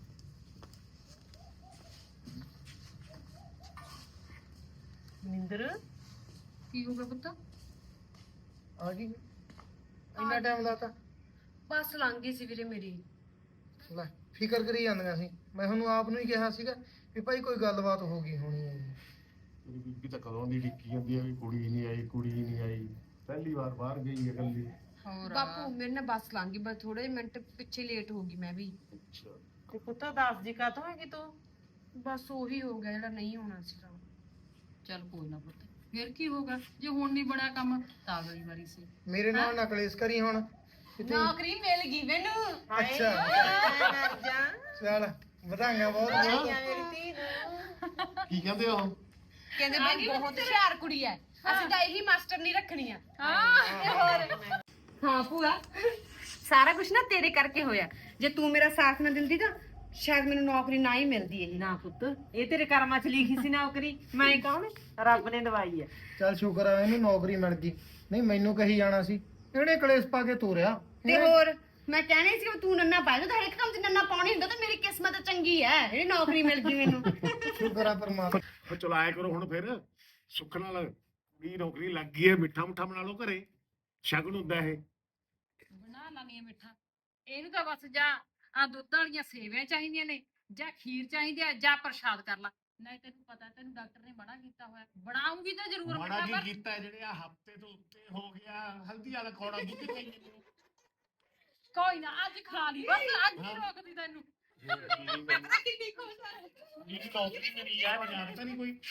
ਨਿੰਦਰ
ਕੀ ਹੋ ਗਿਆ ਪੁੱਤ?
ਆ ਗਈ ਇੰਨਾ ਟਾਈਮ ਲਾਤਾ?
ਬੱਸ ਲੰਘ ਗਈ ਸੀ ਵੀਰੇ ਮੇਰੀ।
ਲੈ ਫਿਕਰ ਕਰੀ ਜਾਂਦੀਆਂ ਸੀ, ਮੈਂ ਤੁਹਾਨੂੰ ਆਪ ਨੂੰ ਹੀ ਕਿਹਾ ਸੀਗਾ ਵੀ ਭਾਈ ਕੋਈ ਗੱਲਬਾਤ ਹੋ ਗਈ ਹੋਣੀ ਹੈ।
ਮੇਰੀ ਬੀਬੀ ਤਾਂ ਕਦੋਂ ਦੀ ਡਿੱਕੀ ਜਾਂਦੀ ਆ ਵੀ ਕੁੜੀ ਨਹੀਂ ਆਈ, ਕੁੜੀ ਨਹੀਂ ਆਈ। ਪਹਿਲੀ ਵਾਰ ਬਾਹਰ ਗਈ ਹੈ ਇਕੱਲੀ।
ਹੋਰ
ਬਾਪੂ ਮੇਰੇ ਨਾਲ ਬੱਸ ਲੰਘ ਗਈ, ਬਸ ਥੋੜੇ ਮਿੰਟ ਪਿੱਛੇ ਲੇਟ ਹੋ ਗਈ ਮੈਂ ਵੀ।
ਅੱਛਾ,
ਤੇ ਪੁੱਤ ਦੱਸ ਜੀ ਕਾਤੋਂ ਹੈਗੀ ਤੂੰ?
ਬਸ ਉਹੀ ਹੋ ਗਿਆ ਜਿਹੜਾ ਨਹੀਂ ਹੋਣਾ ਸੀਗਾ।
ਚੱਲ ਕੋਈ ਨਾ ਪੁੱਤ, ਫਿਰ ਕੀ ਹੋਗਾ? ਜੇ ਹੁਣ ਨਹੀਂ ਬਣਿਆ ਕੰਮ ਤਾਂ ਅਗਲੀ ਵਾਰੀ ਸੀ।
ਮੇਰੇ ਨਾਲ ਨਾ ਕਲੇਸ਼ ਕਰੀ ਹੁਣ।
ਨੌਕਰੀ ਮਿਲ ਗਈ ਮੈਨੂੰ।
ਅੱਛਾ
ਮਰ ਜਾ।
ਚੱਲ ਵਧਾਈਆਂ ਬਹੁਤ ਬਹੁਤ।
ਮੇਰੀ ਧੀ ਨੂੰ।
ਕੀ ਕਹਿੰਦੇ ਉਹ?
ਕਹਿੰਦੇ ਬਈ ਬਹੁਤ ਹੁਸ਼ਿਆਰ ਕੁੜੀ ਐ, ਅਸੀਂ ਤਾਂ ਇਹੀ ਮਾਸਟਰ ਨਹੀਂ ਰੱਖਣੀ ਆ। ਤੇ ਹੋਰ ਹਾਂ ਭੂਆ, ਸਾਰਾ ਕੁਝ ਨਾ ਤੇਰੇ ਕਰਕੇ ਹੋਇਆ। ਜੇ ਤੂੰ ਮੇਰਾ ਸਾਥ ਨਾ ਦਿੰਦੀ ਤਾਂ ਸ਼ਾਇਦ ਮੈਨੂੰ ਨੌਕਰੀ ਨਾ ਹੀ ਮਿਲਦੀ ਇਹ।
ਨਾ ਪੁੱਤ, ਇਹ ਤੇਰੇ ਕਰਮਾਂ 'ਚ ਲਿਖੀ ਸੀ ਨੌਕਰੀ, ਮੈਂ ਕੌਣ? ਰੱਬ ਨੇ ਦਵਾਈ ਹੈ।
ਚੱਲ ਸ਼ੁਕਰ ਆ ਇਹਨੂੰ ਨੌਕਰੀ ਮਿਲ ਗਈ, ਨਹੀਂ ਮੈਨੂੰ ਕਹੀ ਜਾਣਾ ਸੀ ਇਹਨੇ ਕਲੇਸ਼ ਪਾ ਕੇ ਤੋਰਿਆ।
ਤੇ ਹੋਰ ਮੈਂ ਕਹਿਣੀ ਸੀ ਕਿ ਤੂੰ ਨੰਨਾ ਪਾ ਜਾ, ਤਾਂ ਹਰ ਇੱਕ ਕੰਮ 'ਚ ਨੰਨਾ ਪਾਉਣੀ ਹੁੰਦਾ, ਤਾਂ ਮੇਰੀ ਕਿਸਮਤ ਚੰਗੀ ਐ, ਇਹ ਨੌਕਰੀ ਮਿਲ ਗਈ ਮੈਨੂੰ।
ਸ਼ੁਕਰ ਆ ਪਰਮਾਤਮਾ।
ਉਹ ਚਲਾਇਆ ਕਰੋ ਹੁਣ ਫਿਰ, ਸੁੱਖ ਨਾਲ ਵੀ ਨੌਕਰੀ ਲੱਗ ਗਈ ਹੈ। ਮਿੱਠਾ ਮੁੱਠਾ ਬਣਾ ਲਓ ਘਰੇ, ਸ਼ਗਨ ਹੁੰਦਾ ਇਹ।
ਬਣਾ ਲਾਂਗੇ ਮਿੱਠਾ। ਇਹਨੂੰ ਤਾਂ ਬਸ ਜਾਂ ਆ ਦੁੱਧ ਵਾਲੀਆਂ ਸੇਵੀਆਂ ਚਾਹੀਦੀਆਂ ਨੇ, ਜਾਂ ਖੀਰ ਚਾਹੀਦੀ ਆ, ਜਾਂ ਪ੍ਰਸ਼ਾਦ ਕਰ ਲਾ। ਨਹੀਂ ਤੈਨੂੰ ਪਤਾ, ਤੈਨੂੰ ਡਾਕਟਰ ਨੇ ਮਨਾ ਕੀਤਾ ਹੋਇਆ। ਬਣਾਉਂਗੀ ਤਾਂ ਜ਼ਰੂਰ
ਮਾੜਾ
ਮਿੱਠਾ,
ਕੀ ਕੀਤਾ ਜਿਹੜੇ ਆ ਹਫਤੇ ਤੋਂ ਉੱਤੇ ਹੋ ਗਿਆ, ਹਲਦੀ ਵਾਲਾ ਖੌੜਾ ਦੁੱਧ ਚਾਹੀਏ ਮੈਨੂੰ।
ਕੋਈ ਨਾ ਅੱਜ ਖਾ ਲਈ, ਬਸ ਅੱਜ ਨਹੀਂ ਰੋਕਦੀ ਤੈਨੂੰ।
ਕਿੰਨੀ ਖੁਸ਼ ਆ ਜੀ, ਨੌਕਰੀ ਮੇਰੀ ਆ, ਬਾਜ਼ਾਰ ਤਾਂ ਨਹੀਂ ਕੋਈ।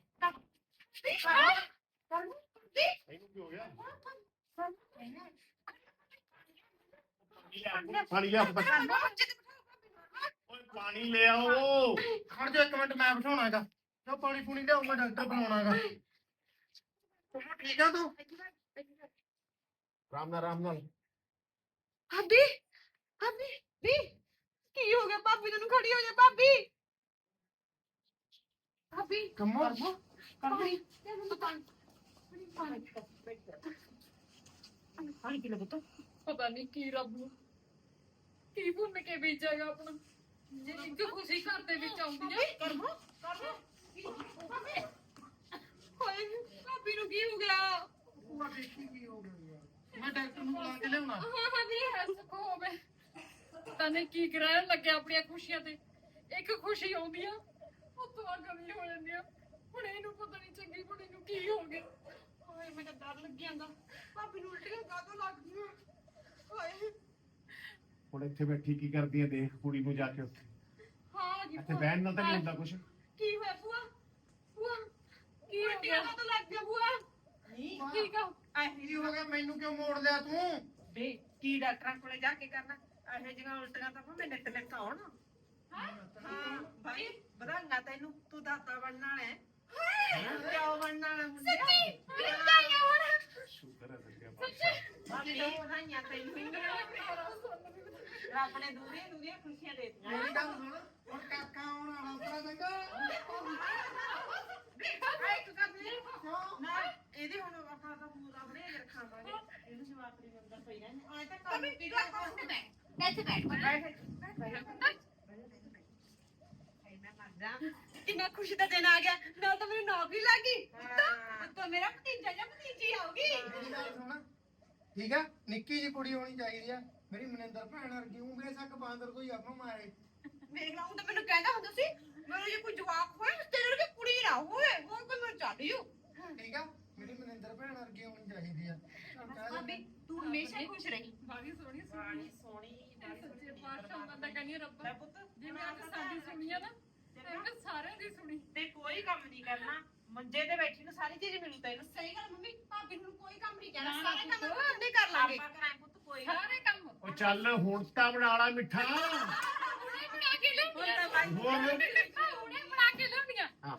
ਇਹਨੂੰ ਕੀ ਹੋ ਗਿਆ? ਫੜ ਲਿਆ
ਬੱਚੇ ਤੇ ਬਿਠਾਓ।
ਓਏ ਪਾਣੀ ਲੈ ਆਓ।
ਖੜ ਜਾ ਇੱਕ ਮਿੰਟ, ਮੈਂ ਬਿਠਾਉਣਾਗਾ। ਜੋ ਪਾਣੀ ਪੂਣੀ ਲਿਆਉਂਗਾ, ਡਾਕਟਰ ਬਣਾਉਣਾਗਾ। ਤੂੰ ਠੀਕ ਆ ਤੂੰ?
ਆਰਾਮ ਨਾਲ
ਭਾਬੀ ਭਾਬੀ ਵੀ ਕੀ ਹੋ ਗਿਆ? ਭਾਬੀ ਤੈਨੂੰ ਖੜੀ ਹੋ ਜਾ ਭਾਬੀ। ਭਾਬੀ
ਕੰਮੋ
ਪਾਣੀ
ਪਾਣੀ ਪੀ ਲੈ ਪੁੱਤ।
ਪਤਾ ਨਹੀਂ ਕੀ ਰੱਬ ਨੂੰ ਕੀ ਭੁੰਨ ਕੇ ਬੀਜਾਗਾ ਆਪਣਾ, ਜੇ ਇੱਕ ਖੁਸ਼ੀ ਘਰ ਦੇ ਵਿੱਚ ਆਉਂਦੀ ਹੈ।
ਹੋਏ ਭਾਬੀ ਨੂੰ ਕੀ ਹੋ ਗਿਆ?
ਭੂਆ ਦੇਖੀ ਕੀ ਹੋ ਗਿਆ? ਮੈਂ ਡਾਕਟਰ ਨੂੰ ਬੁਲਾ ਕੇ ਲਿਆਉਣਾ।
ਹਾਂ ਵੀ ਹੱਸ ਹੋਵੇ, ਪਤਾ ਨਹੀਂ ਕੀ ਕਰਾਇਆ ਲੱਗਿਆ ਆਪਣੀਆਂ ਖੁਸ਼ੀਆਂ ਤੇ। ਇੱਕ ਖੁਸ਼ੀ ਆਉਂਦੀ ਆ ਉਹ ਤੋਂ ਕਮੀ ਹੋ ਜਾਂਦੀ ਆ। ਹੁਣ ਇਹਨੂੰ ਪਤਾ ਨਹੀਂ ਚੰਗੀ ਕੁੜੀ ਨੂੰ ਕੀ ਹੋ ਗਿਆ। ਹਾਏ ਮੈਨੂੰ ਡਰ ਲੱਗ ਜਾਂਦਾ।
ਭਾਬੀ ਨੂੰ ਉਲਟੀਆਂ ਕਾਹਤੋਂ ਲੱਗਦੀਆਂ? ਹੋਏ
ਹੁਣ ਇੱਥੇ ਬੈਠੀ ਕੀ ਕਰਦੀ ਹੈ? ਦੇਖ ਕੁੜੀ ਨੂੰ ਜਾ ਕੇ ਉੱਥੇ।
ਹਾਂ ਜੀ
ਇੱਥੇ ਬਹਿਣ ਨਾਲ ਤਾਂ ਨਹੀਂ ਹੁੰਦਾ ਕੁਛ।
ਕੀ ਹੋਇਆ ਭੂਆ? ਭੂਆ
ਕੀ ਹੋ
ਉਲਟੀਆਂ
ਗਿਆ?
ਕਾਹਤੋਂ ਲੱਗ ਗਿਆ ਭੂਆ?
ਠੀਕ ਆ।
ਕੀ ਹੋ ਗਿਆ? ਮੈਨੂੰ ਕਿਉਂ ਮੋੜ ਲਿਆ ਤੂੰ?
ਵੇ ਕੀ ਡਾਕਟਰਾਂ ਕੋਲੇ ਜਾ ਕੇ ਕਰਨਾ? ਇਹੋ ਜਿਹੀਆਂ ਉਲਟੀਆਂ ਤਾਂ ਭਾਵੇਂ ਨਿੱਤ ਨਿੱਤ ਆਉਣ। ਹਾਂ ਭਾਈ ਵਧਾਈਆਂ ਤੈਨੂੰ, ਤੂੰ ਦਾਤਾ ਬਣਨ ਵਾਲਾ ਹੈ। ਕਿਉਂ ਬਣਨ ਵਾਲਾ ਮੁੰਡਿਆ?
ਸ਼ੁਕਰ ਹੈ ਸੱਚਿਆ ਪਾਤਸ਼ਾਹ।
ਭਾਬੀ ਤੋਂ ਵਧਾਈਆਂ ਤੈਨੂੰ। ਰੱਬ ਨੇ ਦੂਰੀਆਂ ਖੁਸ਼ੀਆਂ ਦੇ ਦਿੱਤੀਆਂ।
ਮੇਰੀ ਗੱਲ ਸੁਣ, ਹੁਣ ਕਾਕਾ ਆਉਣ ਵਾਲਾ ਉਤਰਾ ਚੰਗਾ।
ਨਾ ਇਹਦੇ ਹੁਣ ਆਪਾਂ ਤਾਂ ਪੂਰਾ ਬਣੇ ਰੱਖਾਂਗੇ। ਇਹਨੂੰ ਜਵਾਬ ਨਹੀਂ ਮਿਲਦਾ ਪਈ ਰਹਿੰਦੇ ਆਏ ਤਾਂ ਕੰਮ ਕੀ
ਕਿੰਨਾ ਖੁਸ਼ੀ ਦਾ ਦਿਨ ਆ ਗਿਆ, ਨਾਲ ਤਾਂ ਮੈਨੂੰ ਨੌਕਰੀ ਲੱਗ ਗਈ। ਤਾਂ ਮੇਰਾ ਭਤੀਜਾ ਜਾਂ ਭਤੀਜੀ ਆਉਗੀ।
ਮੇਰੀ ਗੱਲ ਸੁਣ, ਠੀਕ ਆ? ਨਿੱਕੀ ਜੀ ਕੁੜੀ ਹੋਣੀ ਚਾਹੀਦੀ ਆ ਮੇਰੀ ਮਨਿੰਦਰ ਭੈਣ ਵਰਗੀ। ਉਹ ਬੇਸ਼ੱਕ ਬਾਂਦਰ ਕੋਈ ਆਪਾਂ ਮਾਰੇ।
ਵੇਖ ਲਾ, ਹੁਣ ਤਾਂ ਮੈਨੂੰ ਕਹਿੰਦਾ ਹੁੰਦਾ ਸੀ ਮੇਰੇ ਜੇ ਕੋਈ ਜਵਾਕ ਹੋਏ ਤੇਰੇ ਵਰਗੀ ਕੁੜੀ ਨਾ ਹੋਵੇ। ਹੁਣ ਕੋਈ ਮੈਂ ਚੱਲ ਜੂ।
ਠੀਕ ਆ? ਮੇਰੀ ਮਨਿੰਦਰ ਭੈਣ ਵਰਗੀ ਹੋਣੀ ਚਾਹੀਦੀ ਆ। ਚੱਲ ਕਹਿ
ਭਾਬੀ
ਦਿੰਦਾ।
ਤੂੰ ਹਮੇਸ਼ਾ ਖੁਸ਼ ਰਹੀ।
ਬਾਗੀ ਸੋਹਣੀ
ਬਾਣੀ ਸੋਹਣੀ
ਸੱਚੇ ਪਾਤਸ਼ਾਹ ਬੰਦਾ ਕਹਿੰਦੀ ਰੱਬ
ਲੈ ਪੁੱਤ
ਜਿਵੇਂ ਅੱਜ ਸਾਡੀ ਸੁਣੀ ਆ ਨਾ, ਤੇ ਸਾਰਿਆਂ ਦੀ ਸੁਣੀ।
ਤੇ ਕੋਈ ਕੰਮ ਨਹੀਂ ਕਰਨਾ, ਮੰਜੇ ਤੇ ਬੈਠੀ ਨੂੰ ਸਾਰੀ ਚੀਜ਼ ਮਿਲੂ ਤੈਨੂੰ।
ਸਹੀ ਗੱਲ ਮੰਮੀ, ਭਾਬੀ ਨੂੰ ਕੋਈ ਕੰਮ ਨਹੀਂ ਕਹਿਣਾ।
ਨਾ,
ਸਾਰੇ ਕੰਮ
ਪੁੱਤ।
ਆਪਾਂ ਆਪੇ ਕਰ ਲਾਂਗੇ।
ਆਪਾਂ ਕਰਾਂ ਪੁੱਤ ਕੋਈ
ਸਾਰੇ ਕੰਮ
ਉਹ ਚੱਲ ਹੁਣ ਤਾਂ ਬਣਾ ਲਾ ਮਿੱਠਾ।
ਹੁਣੇ ਬਣਾ ਕੇ ਲਿਆਉਂਦੀਆਂ।
ਹੋਰ
ਹੁਣੇ ਬਣਾ ਕੇ ਲਿਆਉਂਦੀਆਂ।
ਹਾਂ।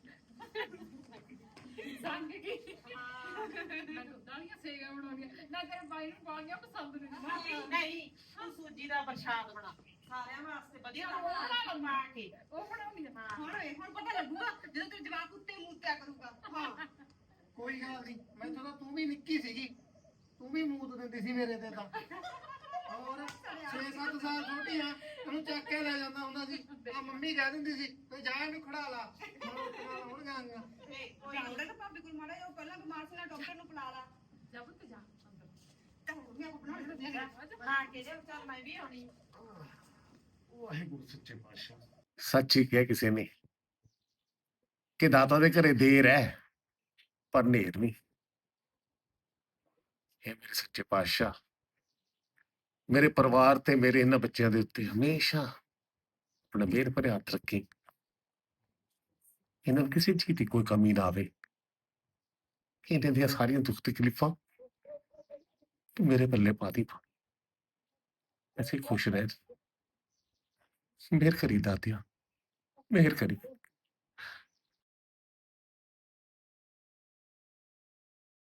ਸੰਗ ਕੀ ਮੈਂ ਦੁੱਧ ਵਾਲੀਆਂ ਸੇਵੀਆਂ ਬਣਾਉਣੀਆਂ ਨਾ, ਤੇਰੇ ਬਾਈ ਨੂੰ ਬਾਲੀਆਂ ਪਸੰਦ ਨੇ।
ਨਹੀਂ ਤੂੰ ਸੂਜੀ ਦਾ ਪ੍ਰਸ਼ਾਦ ਬਣਾ ਸਾਰਿਆਂ ਵਾਸਤੇ ਵਧੀਆ ਲੱਗਦਾ ਪਾ ਕੇ।
ਉਹ ਬਣਾਉਣੀਆਂ।
ਹੁਣ ਪਤਾ ਲੱਗੂਗਾ ਜਦੋਂ ਤੇਰਾ ਜਵਾਕ ਉੱਤੇ ਮੂਤਿਆ ਕਰੂਗਾ। ਹਾਂ
ਕੋਈ ਗੱਲ ਨਹੀਂ, ਮੈਥੋਂ ਤਾਂ ਤੂੰ ਵੀ ਨਿੱਕੀ ਸੀਗੀ, ਤੂੰ ਵੀ ਮੂਤ ਦਿੰਦੀ ਸੀ ਮੇਰੇ ਤੇ ਤਾਂ। ਹੋਰ 6-7 ਸਾਲ ਛੋਟੀ ਆ, ਤੈਨੂੰ ਚੱਕ ਕੇ ਲੈ ਜਾਂਦਾ ਹੁੰਦਾ ਸੀ। ਆ ਮੰਮੀ ਕਹਿ ਦਿੰਦੀ ਸੀ ਤੇ ਜਾ ਇਹਨੂੰ ਖੜਾ ਲਾ। ਹੁਣ ਉੱਠਣਾ ਹੁਣ ਗਾਂਗਾ।
ਜਾਉਂਦਾ ਤਾਂ ਭਾਬੀ ਕੋਲ ਮਾੜਾ ਜਿਹਾ, ਉਹ ਪਹਿਲਾਂ ਬਿਮਾਰ ਸੀ ਨਾ, ਡਾਕਟਰ ਨੂੰ ਬੁਲਾ ਲਾ।
ਜਾ ਪੁੱਤ ਜਾ ਅੰਦਰ।
ਤਾਂ ਹੁਣ ਮੈਂ ਬਣਾ ਲੈਂਦੀ ਹਾਂ।
ਬਣਾ ਕੇ ਦੇ, ਚੱਲ ਮੈਂ ਵੀ ਆਉਣੀ।
ਵਾਹਿਗੁਰੂ ਸੱਚੇ ਪਾਤਸ਼ਾਹ। ਸੱਚ ਹੀ ਕਿਹਾ ਕਿਸੇ ਨੇ ਕਿ ਦਾਤਾ ਦੇ ਘਰੇ ਦੇਰ ਹੈ ਪਰ ਨੇਰ ਨਹੀਂ। ਇਹ ਮੇਰੇ ਸੱਚੇ ਪਾਤਸ਼ਾਹ ਮੇਰੇ ਪਰਿਵਾਰ ਤੇ ਮੇਰੇ ਇਹਨਾਂ ਬੱਚਿਆਂ ਦੇ ਉੱਤੇ ਹਮੇਸ਼ਾ ਆਪਣਾ ਮਿਹਰ ਭਰਿਆ ਹੱਥ ਰੱਖੀ। ਇਹਨਾਂ ਨੂੰ ਕਿਸੇ ਚੀਜ਼ ਦੀ ਕੋਈ ਕਮੀ ਨਾ ਆਵੇ। ਇਹਨਾਂ ਦੀਆਂ ਸਾਰੀਆਂ ਦੁੱਖ ਤਕਲੀਫਾਂ ਤੂੰ ਮੇਰੇ ਪੱਲੇ ਪਾ ਦੀ। ਐਸੇ ਖੁਸ਼ ਰਹਿ। ਮਿਹਰ ਕਰੀ ਦਾਤਿਆ, ਮਿਹਰ ਕਰੀ।